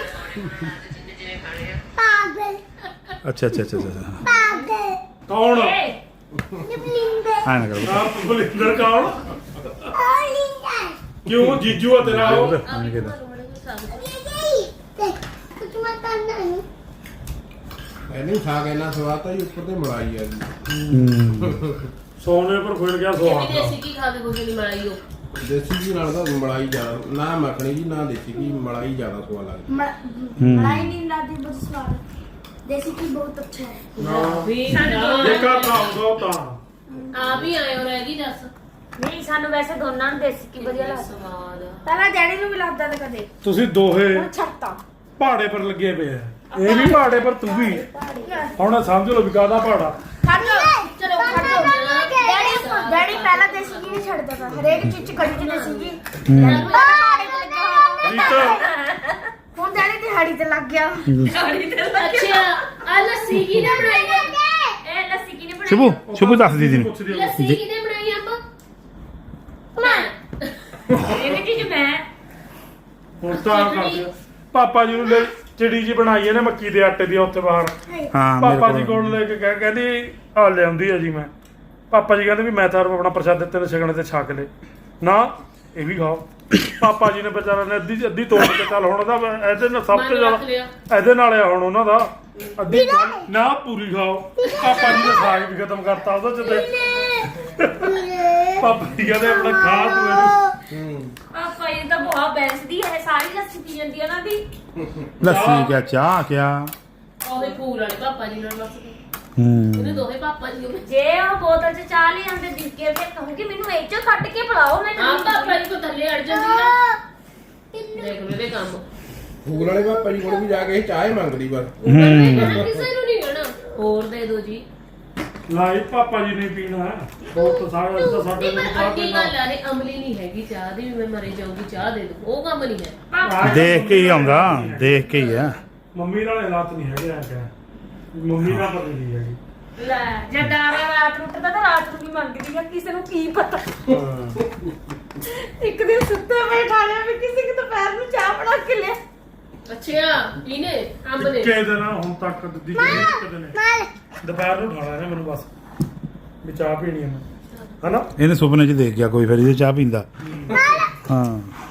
S1: ਅੱਛਾ ਅੱਛਾ ਅੱਛਾ ਅੱਛਾ
S3: ਕੌਣ
S1: ਹਾਂ ਨਾ ਕਰੋ
S3: ਆ ਬਲਿੰਦਰ ਕੌਣ ਕਿਉਂ ਜੀਜੂ ਆ ਤੇਰਾ ਉਹ
S1: ਹਾਂ ਕਿਹਦਾ
S5: ਨਹੀਂ ਸਾਗ ਇੰਨਾ ਸਵਾਦ ਤਾਂ ਜੀ, ਉੱਪਰ ਤੇ ਮਲਾਈ ਆ ਜੀ।
S3: ਸੋਨੇ ਪਰ ਖੁੱਲ ਗਿਆ ਸਵਾਦ
S2: ਕਿਤੇ ਅਸੀਂ ਕੀ ਖਾ ਕੇ ਕੁਝ ਨਹੀਂ ਮਲਾਈ ਉਹ
S5: ਦੇਸੀ ਘੀ ਨਾਲ ਤਾਂ ਮਲਾਈ ਜ਼ਿਆਦਾ, ਨਾ ਮੱਖਣੀ ਜੀ ਨਾ ਦੇਸੀ ਘੀ, ਮਲਾਈ ਜ਼ਿਆਦਾ ਸਵਾਦ ਲੱਗਦੀ।
S6: मलाई नहीं लाती बहुत स्वाद देसी की बहुत अच्छा है
S2: ਵੀ
S3: ਜੇ ਘਰ ਦਾ ਆਉਂਦਾ ਉਹ ਤਾਂ
S2: ਆ ਵੀ ਆਏ ਹੋ ਰਹਿ ਗਈ ਦੱਸ
S4: ਨਹੀਂ ਸਾਨੂੰ ਵੈਸੇ ਦੋਨਾਂ ਨੂੰ ਦੇਸੀ ਕੀ ਵਧੀਆ ਲੱਗਦਾ
S2: ਸਵਾਦ
S6: पहला डैडी ਨੂੰ ਵੀ ਲੱਗਦਾ ਤਾਂ ਕਦੇ
S3: ਤੁਸੀਂ ਦੋਹੇ
S6: ਹੁਣ ਛੱਡਤਾ
S3: ਪਹਾੜੇ ਪਰ ਲੱਗੇ ਪਏ ਆ। ਇਹ ਵੀ ਪਹਾੜੇ ਪਰ ਤੂੰ ਵੀ ਹੁਣ ਸਮਝ ਲਓ ਵੀ ਕਾਹਦਾ ਪਹਾੜਾ।
S6: ਖੜ ਜਾ ਚਲੋ ਖੜ ਜਾ ਡੈਡੀ ਡੈਡੀ ਪਹਿਲਾਂ ਦੇਸੀ ਕੀ ਨਹੀਂ ਛੱਡਦਾ ਤਾਂ ਹਰੇਕ ਚੀਜ਼ ਚ ਕੜੀ ਚ ਦੇਸੀ ਕੀ ਪਹਾੜੇ ਤੇ ਲੱਗਿਆ ਹੋਇਆ
S3: ਰੀਤ
S6: ਹੁਣ ਡੈਡੀ ਦਿਹਾੜੀ ਤੇ ਲੱਗ ਗਿਆ
S2: ਅੱਛਾ ਆ ਲੱਸੀ ਕਿਹਨੇ ਬਣਾਈ ਆ
S4: ਇਹ ਲੱਸੀ ਕਿਹਨੇ ਬਣਾਈ
S1: ਸ਼ੁਭੂ ਸ਼ੁਭੂ ਦੱਸ ਦੀਦੀ ਨੂੰ।
S3: ਪੁੱਛਦੀ ਆ।
S2: ਲੱਸੀ ਕਿਹਨੇ ਬਣਾਈ ਆਪਾਂ ਮੈਂ
S4: ਇਹਦੇ ਚ ਮੈਂ
S3: ਹੁਣ ਤਾਂ ਕਰਦੇ ਆ। ਪਾਪਾ ਜੀ ਨੂੰ ਲੈ ਚਿੜੀ ਜੀ ਬਣਾਈ ਇਹਨੇ ਮੱਕੀ ਦੇ ਆਟੇ ਦੀ ਉੱਥੇ ਬਾਹਰ
S1: ਹਾਂ ਮੇਰੇ
S3: ਪਾਪਾ ਜੀ ਕੋਲ ਲੈ ਕੇ ਕਹਿ ਕਹਿੰਦੀ ਆ ਲਿਆਉਂਦੀ ਆ ਜੀ ਮੈਂ ਪਾਪਾ ਜੀ ਕਹਿੰਦੇ ਵੀ ਮੈਂ ਤਾਂ ਆਪਣਾ ਪ੍ਰਸ਼ਾਦ ਦਿੱਤੇ ਨੇ ਛਕਣੇ ਤੇ ਛਕ ਲੈ ਨਾ ਇਹ ਵੀ ਖਾਓ ਪਾਪਾ ਜੀ ਨੇ ਵਿਚਾਰਾ ਨੇ ਅੱਧੀ ਅੱਧੀ ਤੋੜ ਕੇ ਚੱਲ ਹੁਣ ਉਹਦਾ ਇਹਦੇ ਨਾਲ ਸਭ ਤੋਂ
S2: ਮਨ ਰੱਖ ਲਿਆ।
S3: ਜ਼ਿਆਦਾ ਇਹਦੇ ਨਾਲ ਆ ਹੁਣ ਉਹਨਾਂ ਦਾ ਅੱਧੀ ਨਾ ਪੂਰੀ ਖਾਓ ਪਾਪਾ ਜੀ ਨੇ ਸਾਗ ਵੀ ਖਤਮ ਕਰਤਾ ਉਹਦਾ ਜਦ ਪਾਪਾ ਜੀ ਕਹਿੰਦੇ ਆਪਣਾ ਖਾ ਤੂੰ ਇਹਨੂੰ
S5: ਹੂੰ
S4: ਪਾਪਾ ਇਹ ਤਾਂ ਬਹੁਤ ਬੈਸਦੀ ਹੈ ਸਾਰੀ ਲੱਸੀ ਪੀ ਜਾਂਦੀ ਹੈ ਨਾ ਦੀ
S1: ਲੱਸੀ ਕਿਆ ਚਾਹ ਕਿਆ
S2: ਉਹਦੇ ਫੂਲ ਵਾਲੇ ਪਾਪਾ ਜੀ ਨਾਲ ਬਸ
S1: ਹੂੰ
S2: ਉਹਨੇ ਦੋਹੇ ਪਾਪਾ ਜੀ ਨੂੰ
S4: ਜੇ ਉਹ ਬੋਤਲ ਚ ਚਾਹ ਲੈ ਆਂਦੇ ਦਿੱਕੇ ਤੇ ਕਹੂੰਗੀ ਮੈਨੂੰ ਇਹ ਚੋਂ ਕੱਢ ਕੇ ਪਿਲਾਓ ਮੈਂ
S2: ਹਾਂ ਪਾਪਾ ਜੀ ਕੋ ਥੱਲੇ ਅੜ ਜਾਂਦੀ ਆ ਦੇਖ ਮੇਰੇ ਕੰਮ
S5: ਫੂਲ ਵਾਲੇ ਪਾਪਾ ਜੀ ਕੋਲ ਵੀ ਜਾ ਕੇ ਚਾਹ ਹੀ ਮੰਗਦੀ ਬਸ
S2: ਉਹ ਕਹਿੰਦੇ ਕਿਸੇ ਨੂੰ ਨਹੀਂ ਕਹਿਣਾ ਹੋਰ ਦੇ ਦਿਓ ਜੀ
S3: ਲਾਈ ਪਾਪਾ ਜੀ ਨੇ ਪੀਣਾ ਬਹੁਤ ਸਾਰੇ ਤਾਂ ਸਾਡੇ
S2: ਨਹੀਂ
S3: ਨੂੰ
S2: ਪਰ
S3: ਚਾਹ
S2: ਅੱਡੀ
S3: ਪੀਣਾ
S2: ਗੱਲ ਆ ਇਹ ਅਮਲੀ ਨਹੀਂ ਹੈਗੀ ਚਾਹ ਦੀ ਵੀ ਮੈਂ ਮਰੇ ਜਾਊਂਗੀ ਚਾਹ ਦੇ ਦੋ ਉਹ ਕੰਮ ਨਹੀਂ ਹੈ
S1: ਦੇਖ ਕੇ ਹੀ ਆਉਂਦਾ ਦੇਖ ਕੇ ਹੀ ਆ
S3: ਮੰਮੀ ਨਾਲ ਹਾਲਾਤ ਨਹੀਂ ਹੈਗੇ ਆ ਕਿਆ ਮੰਮੀ ਨਾਲ ਪਤਾ ਨਹੀਂ ਹੈਗੀ
S4: ਲੈ ਜੇ ਡਾਰਾ ਰਾਤ ਨੂੰ ਉੱਠਦਾ ਤਾਂ ਰਾਤ ਨੂੰ ਵੀ ਮੰਗਦੀ ਆ ਕਿਸੇ ਨੂੰ ਕੀ ਪਤਾ
S3: ਹਾਂ
S4: ਇੱਕ ਦਿਨ ਸੁੱਤੇ ਬੈਠਾ ਲਿਆ ਵੀ ਕਿਸੇ ਕਿ ਦੁਪਹਿਰ ਨੂੰ ਚਾਹ ਬਣਾ ਕੇ ਲਿਆ
S2: ਅੱਛਾ ਇਹਨੇ ਅੰਬ ਨੇ
S3: ਇੱਕੇ ਦਿਨ ਹੁਣ ਤੱਕ ਦਿੱਦੀ ਕੋਈ ਇੱਕ ਦਿਨ ਦੁਪਹਿਰ ਨੂੰ ਉਠਾਣਾ ਨੇ ਮੈਨੂੰ ਬਸ ਵੀ ਚਾਹ ਪੀਣੀ ਹੈ ਮੈਂ ਹਨਾ
S1: ਇਹਨੇ ਸੁਪਨੇ 'ਚ ਦੇਖ ਗਿਆ ਕੋਈ ਫਿਰ ਇਹ ਚਾਹ ਪੀਂਦਾ ਹਾਂ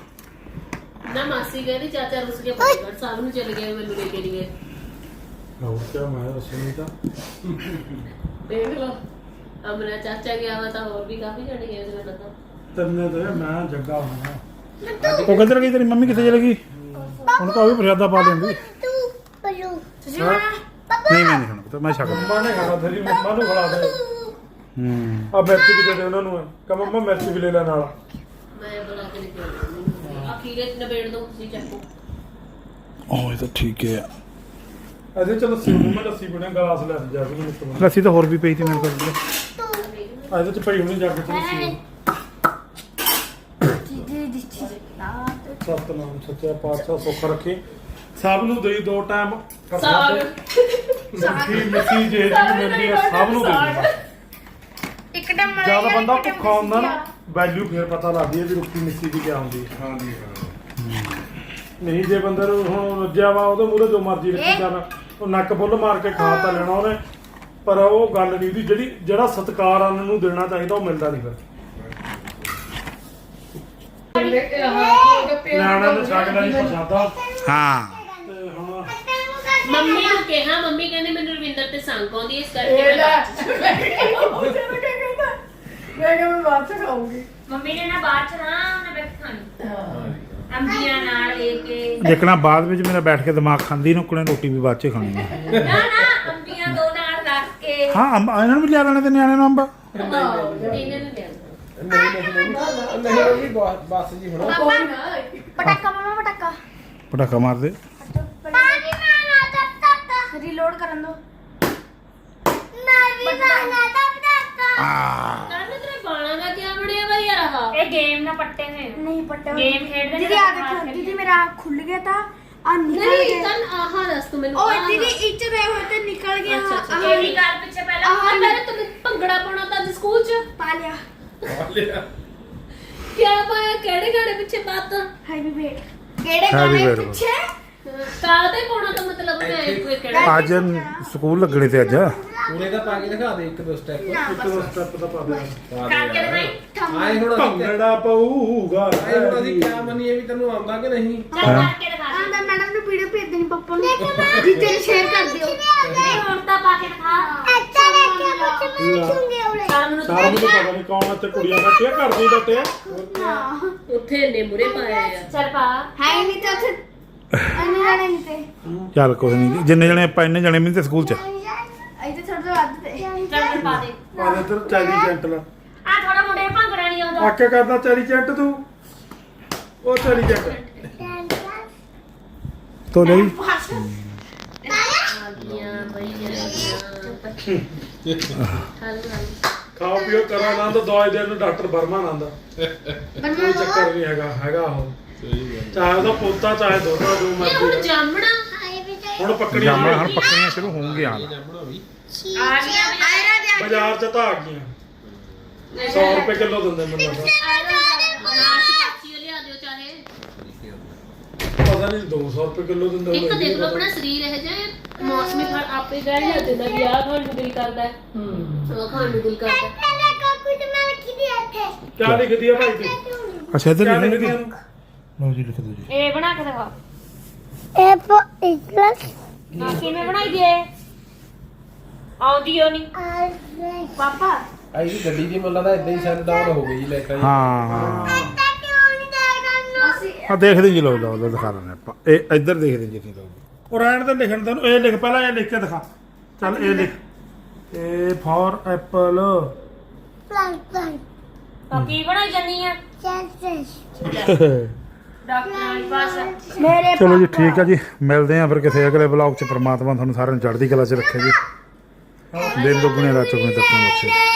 S2: ਨਾ ਮਾਸੀ ਕਹਿੰਦੀ ਚਾਚਾ ਰੁੱਸ ਗਿਆ ਫਤਿਹਗੜ੍ਹ ਸਾਹਿਬ ਨੂੰ ਚਲੇ ਗਏ ਮੈਨੂੰ ਲੈ ਕੇ ਨਹੀਂ ਗਏ
S3: ਹੋਰ ਕਿਆ ਮੈਂ ਸੁਣੀ ਤਾਂ
S2: ਦੇਖ ਲਓ ਅਮਰਾ ਚਾਚਾ ਗਿਆ ਵਾ ਤਾਂ ਹੋਰ ਵੀ ਕਾਫੀ ਜਣੇ ਗਏ ਉਹਦੇ ਨਾਲ ਤਾਂ
S3: ਤੰਨੇ ਤੇ ਮੈਂ ਜੱਗਾ ਹੋਣਾ
S1: ਉਹ ਕਿੱਧਰ ਗਈ ਤੇਰੀ ਮੰਮੀ ਕਿੱਥੇ ਚਲੇ ਗਈ ਹੁਣ ਤਾਂ ਉਹ ਵੀ ਪ੍ਰਸ਼ਾਦਾ ਪਾ ਲੈਂਦੀ
S6: ਤੁਸੀਂ
S3: ਹਾਂ।
S1: ਨਹੀਂ ਮੈਂ ਨਹੀਂ ਖਾਣਾ ਪੁੱਤ, ਮੈਂ ਛਕ ਲਿਆ।
S3: ਮੰਮਾ ਨੇ ਖਾਣਾ ਤੇਰੀ ਮੰਮਾ ਨੂੰ ਖਿਲਾ ਦੇ
S1: ਹੂੰ
S3: ਆ ਮਿਰਚ ਵੀ ਦੇ ਦੇ ਉਹਨਾਂ ਨੂੰ ਕਹ ਮੰਮਾ ਮਿਰਚ ਵੀ ਲੈ ਲੈ ਨਾਲ
S2: ਮੈਂ ਬਣਾ ਕੇ ਲੈ ਕੇ ਆਉਂਦੀ ਅਖੀਰੇ ਚ ਨਵੇੜ ਦੋ ਤੁਸੀਂ ਚੱਕੋ
S1: ਉਹ ਇਹ ਤਾਂ ਠੀਕ ਹੈ
S3: ਇਹਦੇ ਚ ਲੱਸੀ ਨੂੰ ਮੈਂ ਲੱਸੀ ਬਣਾ ਗਲਾਸ ਲੈ ਜਾ ਕੇ ਮੈਨੂੰ
S1: ਲੱਸੀ ਤਾਂ ਹੋਰ ਵੀ ਪਈ ਸੀ ਮੇਰੇ ਕੋਲ
S3: ਇਹਦੇ ਚ ਪਈ ਹੋਣੀ ਜਾ ਕੇ ਚ ਲੱਸੀ ਸਤਨਾਮ ਸੱਚਾ ਪਾਤਸ਼ਾਹ ਸੁੱਖ ਰੱਖੇ ਸਭ ਨੂੰ ਦੇਈ ਦੋ ਟਾਈਮ
S2: ਸਾਗ
S3: ਮਿੱਠੀ ਮਿੱਠੀ ਜੇ ਜੀ ਮਿਲਦੀ ਆ ਸਭ ਨੂੰ ਦੇ ਦਿੰਦਾ
S6: ਇੱਕ ਟਮ
S3: ਜਦ ਬੰਦਾ ਭੁੱਖਾ ਹੁੰਦਾ ਨਾ ਵੈਲਿਊ ਫੇਰ ਪਤਾ ਲੱਗਦੀ ਹੈ ਵੀ ਰੁੱਖੀ ਮਿੱਠੀ ਦੀ ਕਿਆ ਹੁੰਦੀ ਹੈ
S5: ਹਾਂ ਜੀ ਹਾਂ
S3: ਨਹੀਂ ਜੇ ਬੰਦੇ ਨੂੰ ਹੁਣ ਰੱਜਿਆ ਵਾ ਉਹਦੇ ਮੂਹਰੇ ਜੋ ਮਰਜ਼ੀ ਰੱਖੀ ਜਾਣਾ ਉਹ ਨੱਕ ਫੁੱਲ ਮਾਰ ਕੇ ਖਾ ਤਾਂ ਲੈਣਾ ਉਹਨੇ ਪਰ ਉਹ ਗੱਲ ਨਹੀਂ ਦੀ ਜਿਹੜੀ ਜਿਹੜਾ ਸਤਿਕਾਰ ਅੰਨ ਨੂੰ ਦੇਣਾ ਚਾਹੀਦਾ ਉਹ ਮਿਲਦਾ ਨਹੀਂ ਫਿਰ ਨਿਆਣਾ ਨੂੰ ਛੱਡ ਨਹੀਂ ਪ੍ਰਸ਼ਾਦਾ
S1: ਹਾਂ
S3: ਤੇ ਹੁਣ
S2: ਮੰਮੀ ਨੂੰ ਕਿਹਾ ਮੰਮੀ ਕਹਿੰਦੇ ਮੈਨੂੰ ਰਵਿੰਦਰ ਤੇ ਸੰਗ ਆਉਂਦੀ ਇਸ ਕਰਕੇ ਮੈਂ ਬਾਅਦ ਚ
S4: ਮੰਮੀ ਨੇ ਨਾ ਬਾਅਦ ਚ ਨਾ ਉਹਨੇ ਬੈਠ ਖਾਣੀ ਅੰਬੀਆਂ ਨਾਲ ਲੈ ਕੇ
S1: ਦੇਖਣਾ ਬਾਅਦ ਵਿੱਚ ਮੇਰਾ ਬੈਠ ਕੇ ਦਿਮਾਗ ਖਾਂਦੀ ਨੂੰ ਕੋਲੇ ਰੋਟੀ ਵੀ ਬਾਅਦ 'ਚ ਖਾਣੀ ਹੈ
S4: ਨਾ ਨਾ ਅੰਬੀਆਂ ਦੋ ਨਾਲ ਰੱਖ ਕੇ
S1: ਹਾਂ ਅੰਬ ਇਹਨਾਂ ਨੂੰ ਵੀ ਲਿਆ ਦੇਣੇ ਤੇ ਨਿਆਣੇ ਨੂੰ ਅੰਬ
S2: ਇਹਨਾਂ ਨੂੰ ਲਿਆ
S5: ਨਹੀਂ ਨਹੀਂ ਨਹੀਂ ਨਹੀਂ ਉਹ ਵੀ ਬਹੁਤ- ਬਸ ਜੀ ਹੁਣ
S6: ਪਟਾਕਾ ਮਾਮਾ ਪਟਾਕਾ
S1: ਪਟਾਕਾ ਮਾਰ ਦੇ
S6: ਪਾਣੀ ਮਾਰਨਾ ਤੱਕ ਤੱਕ ਰੀਲੋਡ ਕਰਨ ਦੋ ਮੈਂ ਵੀ ਮਾਰਨਾ ਤੱਕ ਤੱਕ
S1: ਆ
S2: ਕਹਿੰਦੇ ਤੇਰੇ ਬਾਲਾਂ ਦਾ ਕੀ ਬਣਿਆ ਵਾ ਯਾਰ ਆਹ
S4: ਇਹ ਗੇਮ ਨਾ ਪੱਟੇ ਹੋਏ
S6: ਨਹੀਂ ਪਟਾ
S4: ਗੇਮ ਖੇਡਦੇ ਨੇ
S6: ਦੀਦੀ ਆ ਦੇਖੋ ਦੀਦੀ ਮੇਰਾ ਆँख खुल गया था आ निकल
S2: ਨਹੀਂ
S6: गया
S2: ਤਾਂ ਆਹ ਦੱਸ ਤੂੰ ਮੈਨੂੰ
S6: ओए
S2: आहा।
S6: दीदी इच रहे हुए थे निकल गया
S2: अच्छा, अच्छा,
S6: आहा,
S4: ਇਹੀ ਗੱਲ ਪਿੱਛੇ ਪਹਿਲਾਂ
S2: ਆਹ ਪਹਿਲੇ ਤੂੰ ਭੰਗੜਾ ਪਾਉਣਾ ਤਾਂ ਅੱਜ ਸਕੂਲ ਚ
S6: पा लिया
S2: ਕਿਆ ਪਾਇਆ ਕਿਹੜੇ ਗਾਣੇ ਪਿੱਛੇ ਬਾਤ
S6: हैवी वेट केड़े
S1: Heavy
S6: गाने
S1: weight।
S6: पीछे
S2: ਕਾਹਦੇ ਪਾਉਣਾ ਤਾਂ ਮਤਲਬ ਮੈਂ ਕੋਈ ਕਿਹੜਾ
S1: ਅੱਜ ਸਕੂਲ ਲੱਗਣੇ ਤੇ ਅੱਜ
S5: ਪੂਰੇ ਦਾ ਪਾ ਕੇ ਦਿਖਾ ਦੇ ਇੱਕ ਦੋ ਸਟੈਪ
S3: ਇੱਕ ਦੋ ਸਟੈਪ ਦਾ ਪਾ ਦੇ
S4: ਕਰਕੇ ਦਿਖਾਈ
S5: ਆਏ ਹੁਣ ਅਸੀਂ
S3: ਭੰਗੜਾ ਪਊਗਾ
S5: ਆਏ ਹੁਣ ਅਸੀਂ ਕਿਆ ਮੰਨੀਏ ਵੀ ਤੈਨੂੰ ਆਉਂਦਾ ਕਿ ਨਹੀਂ
S4: ਚੱਲ ਕਰਕੇ ਦਿਖਾ ਦੇ
S6: आंदा मैडम ने वीडियो भेज देनी पापा ने दीदी ने शेयर कर दियो
S4: ਨਹੀਂ ਹੁਣ ਤਾਂ ਪਾ ਕੇ ਦਿਖਾ
S6: अच्छा देखिए मुझे मैं छूंगे उड़े
S2: ਸਾਰ ਨੂੰ
S3: ਸਾਰਾ ਮੈਨੂੰ ਪਤਾ ਨਹੀਂ ਕੌਣ ਇੱਥੇ ਕੁੜੀਆਂ ਬੈਠੀਆਂ ਕਰਦੀ ਬੈਠੇ ਆ
S2: ਉੱਥੇ ਨੇ ਮੁਰੇ ਪਾਏ ਆ
S4: ਚੱਲ ਪਾ
S6: है ही नहीं तो थे अन्य जाने नहीं थे
S1: ਚੱਲ ਕੁਛ ਨਹੀਂ ਜਿੰਨੇ ਜਣੇ ਆਪਾਂ ਇੰਨੇ ਜਣੇ ਵੀ ਤੇ ਸਕੂਲ 'ਚ
S6: ऐसे थोड़ा सा बात थे
S4: ਚੱਲ ਫਿਰ ਪਾ ਦੇ
S3: ਆ ਇੱਧਰ ਚੈਰੀ ਜੈਂਟ ਲਾ
S4: ਆ ਥੋੜਾ ਮੁੰਡੇ ਨੂੰ ਭੰਗੜਾ ਨਹੀਂ ਆਉਂਦਾ
S3: ਆਕੇ ਕਰਦਾ ਚੈਰੀ ਜੈਂਟ ਤੂੰ ਉਹ ਚੈਰੀ ਜੈਂਟ
S1: ਤੋ ਲਈ
S2: ਆ ਗਈਆਂ ਬਈ ਗਈਆਂ ਹਲ ਹਲ
S3: ਖਾਓ ਪੀਓ ਕਰੋ ਆਨੰਦ ਦਵਾਈ ਦੇਣ ਨੂੰ ਡਾਕਟਰ ਵਰਮਾ ਆਨੰਦ ਕੋਈ ਚੱਕਰ ਨਹੀਂ ਹੈਗਾ ਹੈਗਾ ਉਹ ਚਾਹੇ ਉਹਦਾ ਪੋਤਾ ਚਾਹੇ ਦੋਤਾ ਜੋ
S2: ਇਹ
S3: ਮਰਜ਼ੀ
S2: ਹੁਣ
S3: ਆ।
S2: ਜਾਮਣਾ
S3: ਹੁਣ ਪੱਕੜੀਆਂ
S1: ਜਾਮਣ ਹੁਣ ਪੱਕਣੀਆਂ ਸ਼ੁਰੂ ਹੋਣਗੀਆਂ
S5: ਜਾਮਣਾ ਵੀ
S4: ਆ ਗਿਆ
S3: ਬਾਜ਼ਾਰ ਚ ਤਾਂ ਆ ਗਈਆਂ ਸੌ ਰੁਪਏ ਕਿਲੋ ਦਿੰਦੇ ਮੈਨੂੰ ਲੱਗਦਾ
S2: ਨਾਸ਼ ਪਾਚੀ ਲਿਆ ਦਿਓ ਚਾਹੇ
S3: ਪਤਾ ਪਤਾ ਨਹੀਂ ਦੋ ਸੌ ਰੁਪਏ ਕਿਲੋ ਦਿੰਦੇ
S2: ਇੱਕ
S3: ਹੋਣੇ।
S2: ਦੇਖ ਲਓ ਆਪਣਾ ਸਰੀਰ ਇਹ ਜੇ ਮੌਸਮੀ ਫਲ ਆਪੇ ਕਹਿਣ ਲੱਗ ਜਾਂਦਾ ਵੀ ਆਹ ਖਾਣ ਨੂੰ ਦਿਲ ਕਰਦਾ ਹੈ ਉਹ ਖਾਣ ਨੂੰ ਦਿਲ ਕਰਦਾ ਹੈ।
S3: ਕਿਆ ਲਿਖਦੀ ਆ ਭਾਈ ਤੇ
S1: ਅੱਛਾ ਇੱਧਰ
S3: ਕਿਆ
S1: ਲਿਖਣੀ
S3: ਲਿਖਦੀ
S1: ਸੀ
S3: ਆ
S1: ਲਓ ਜੀ ਲਿਖ ਦਿਓ ਜੀ
S4: ਇਹ ਬਣਾ ਕੇ ਦਿਖਾ
S6: Apple is plus
S4: ਹਾਂ ਕਿਵੇਂ ਬਣਾਈ ਦੀ ਇਹ ਆਉਂਦੀ ਓ ਨਹੀਂ ਪਾਪਾ
S5: ਆਈ ਦੀ ਗੱਡੀ ਦੀ ਮੁੱਲਾ ਦਾ ਇਦਾਂ ਹੀ ਸ਼ਟ ਡਾਊਨ ਹੋ ਗਈ ਜੀ ਲਾਈਟਾਂ ਜੀ।
S1: ਹਾਂ ਹਾਂ ਆ ਦੇਖਦੇ ਜੀ ਲਓ ਲਓ ਲਓ ਦਿਖਾ ਲੈਣੇ ਆਪਾਂ ਇਹ ਇੱਧਰ ਦੇਖਦੇ ਜੀ ਅਸੀਂ ਲਓ
S3: ਉਹ ਰਹਿਣ ਦੇ ਲਿਖਣ ਤੈਨੂੰ ਇਹ ਲਿਖ ਪਹਿਲਾਂ ਇਹ ਲਿਖ ਕੇ ਦਿਖਾ ਚੱਲ ਇਹ ਲਿਖ ਇਹ ਫॉर ਐਪਲ
S6: plant plant
S4: ਤਾਂ ਕੀ ਬਣਾਈ ਜਾਨੀ ਆ
S6: chances
S4: ਡਾਕਟਰ ਵਾਲੀ ਪਾਸ
S6: ਮੇਰੇ
S1: ਚਲੋ ਜੀ ਠੀਕ ਆ ਜੀ ਮਿਲਦੇ ਆ ਫਿਰ ਕਿਸੇ ਅਗਲੇ ਵਲੌਗ 'ਚ ਪ੍ਰਮਾਤਮਾ ਤੁਹਾਨੂੰ ਸਾਰਿਆਂ ਨੂੰ ਚੜ੍ਹਦੀ ਕਲਾ 'ਚ ਰੱਖੇ ਜੀ ਦਿਨ ਦੁੱਗਣੇ ਰਾਤ ਚੌਗੁਣੇ ਤੱਕ ਬਖਸ਼ੇ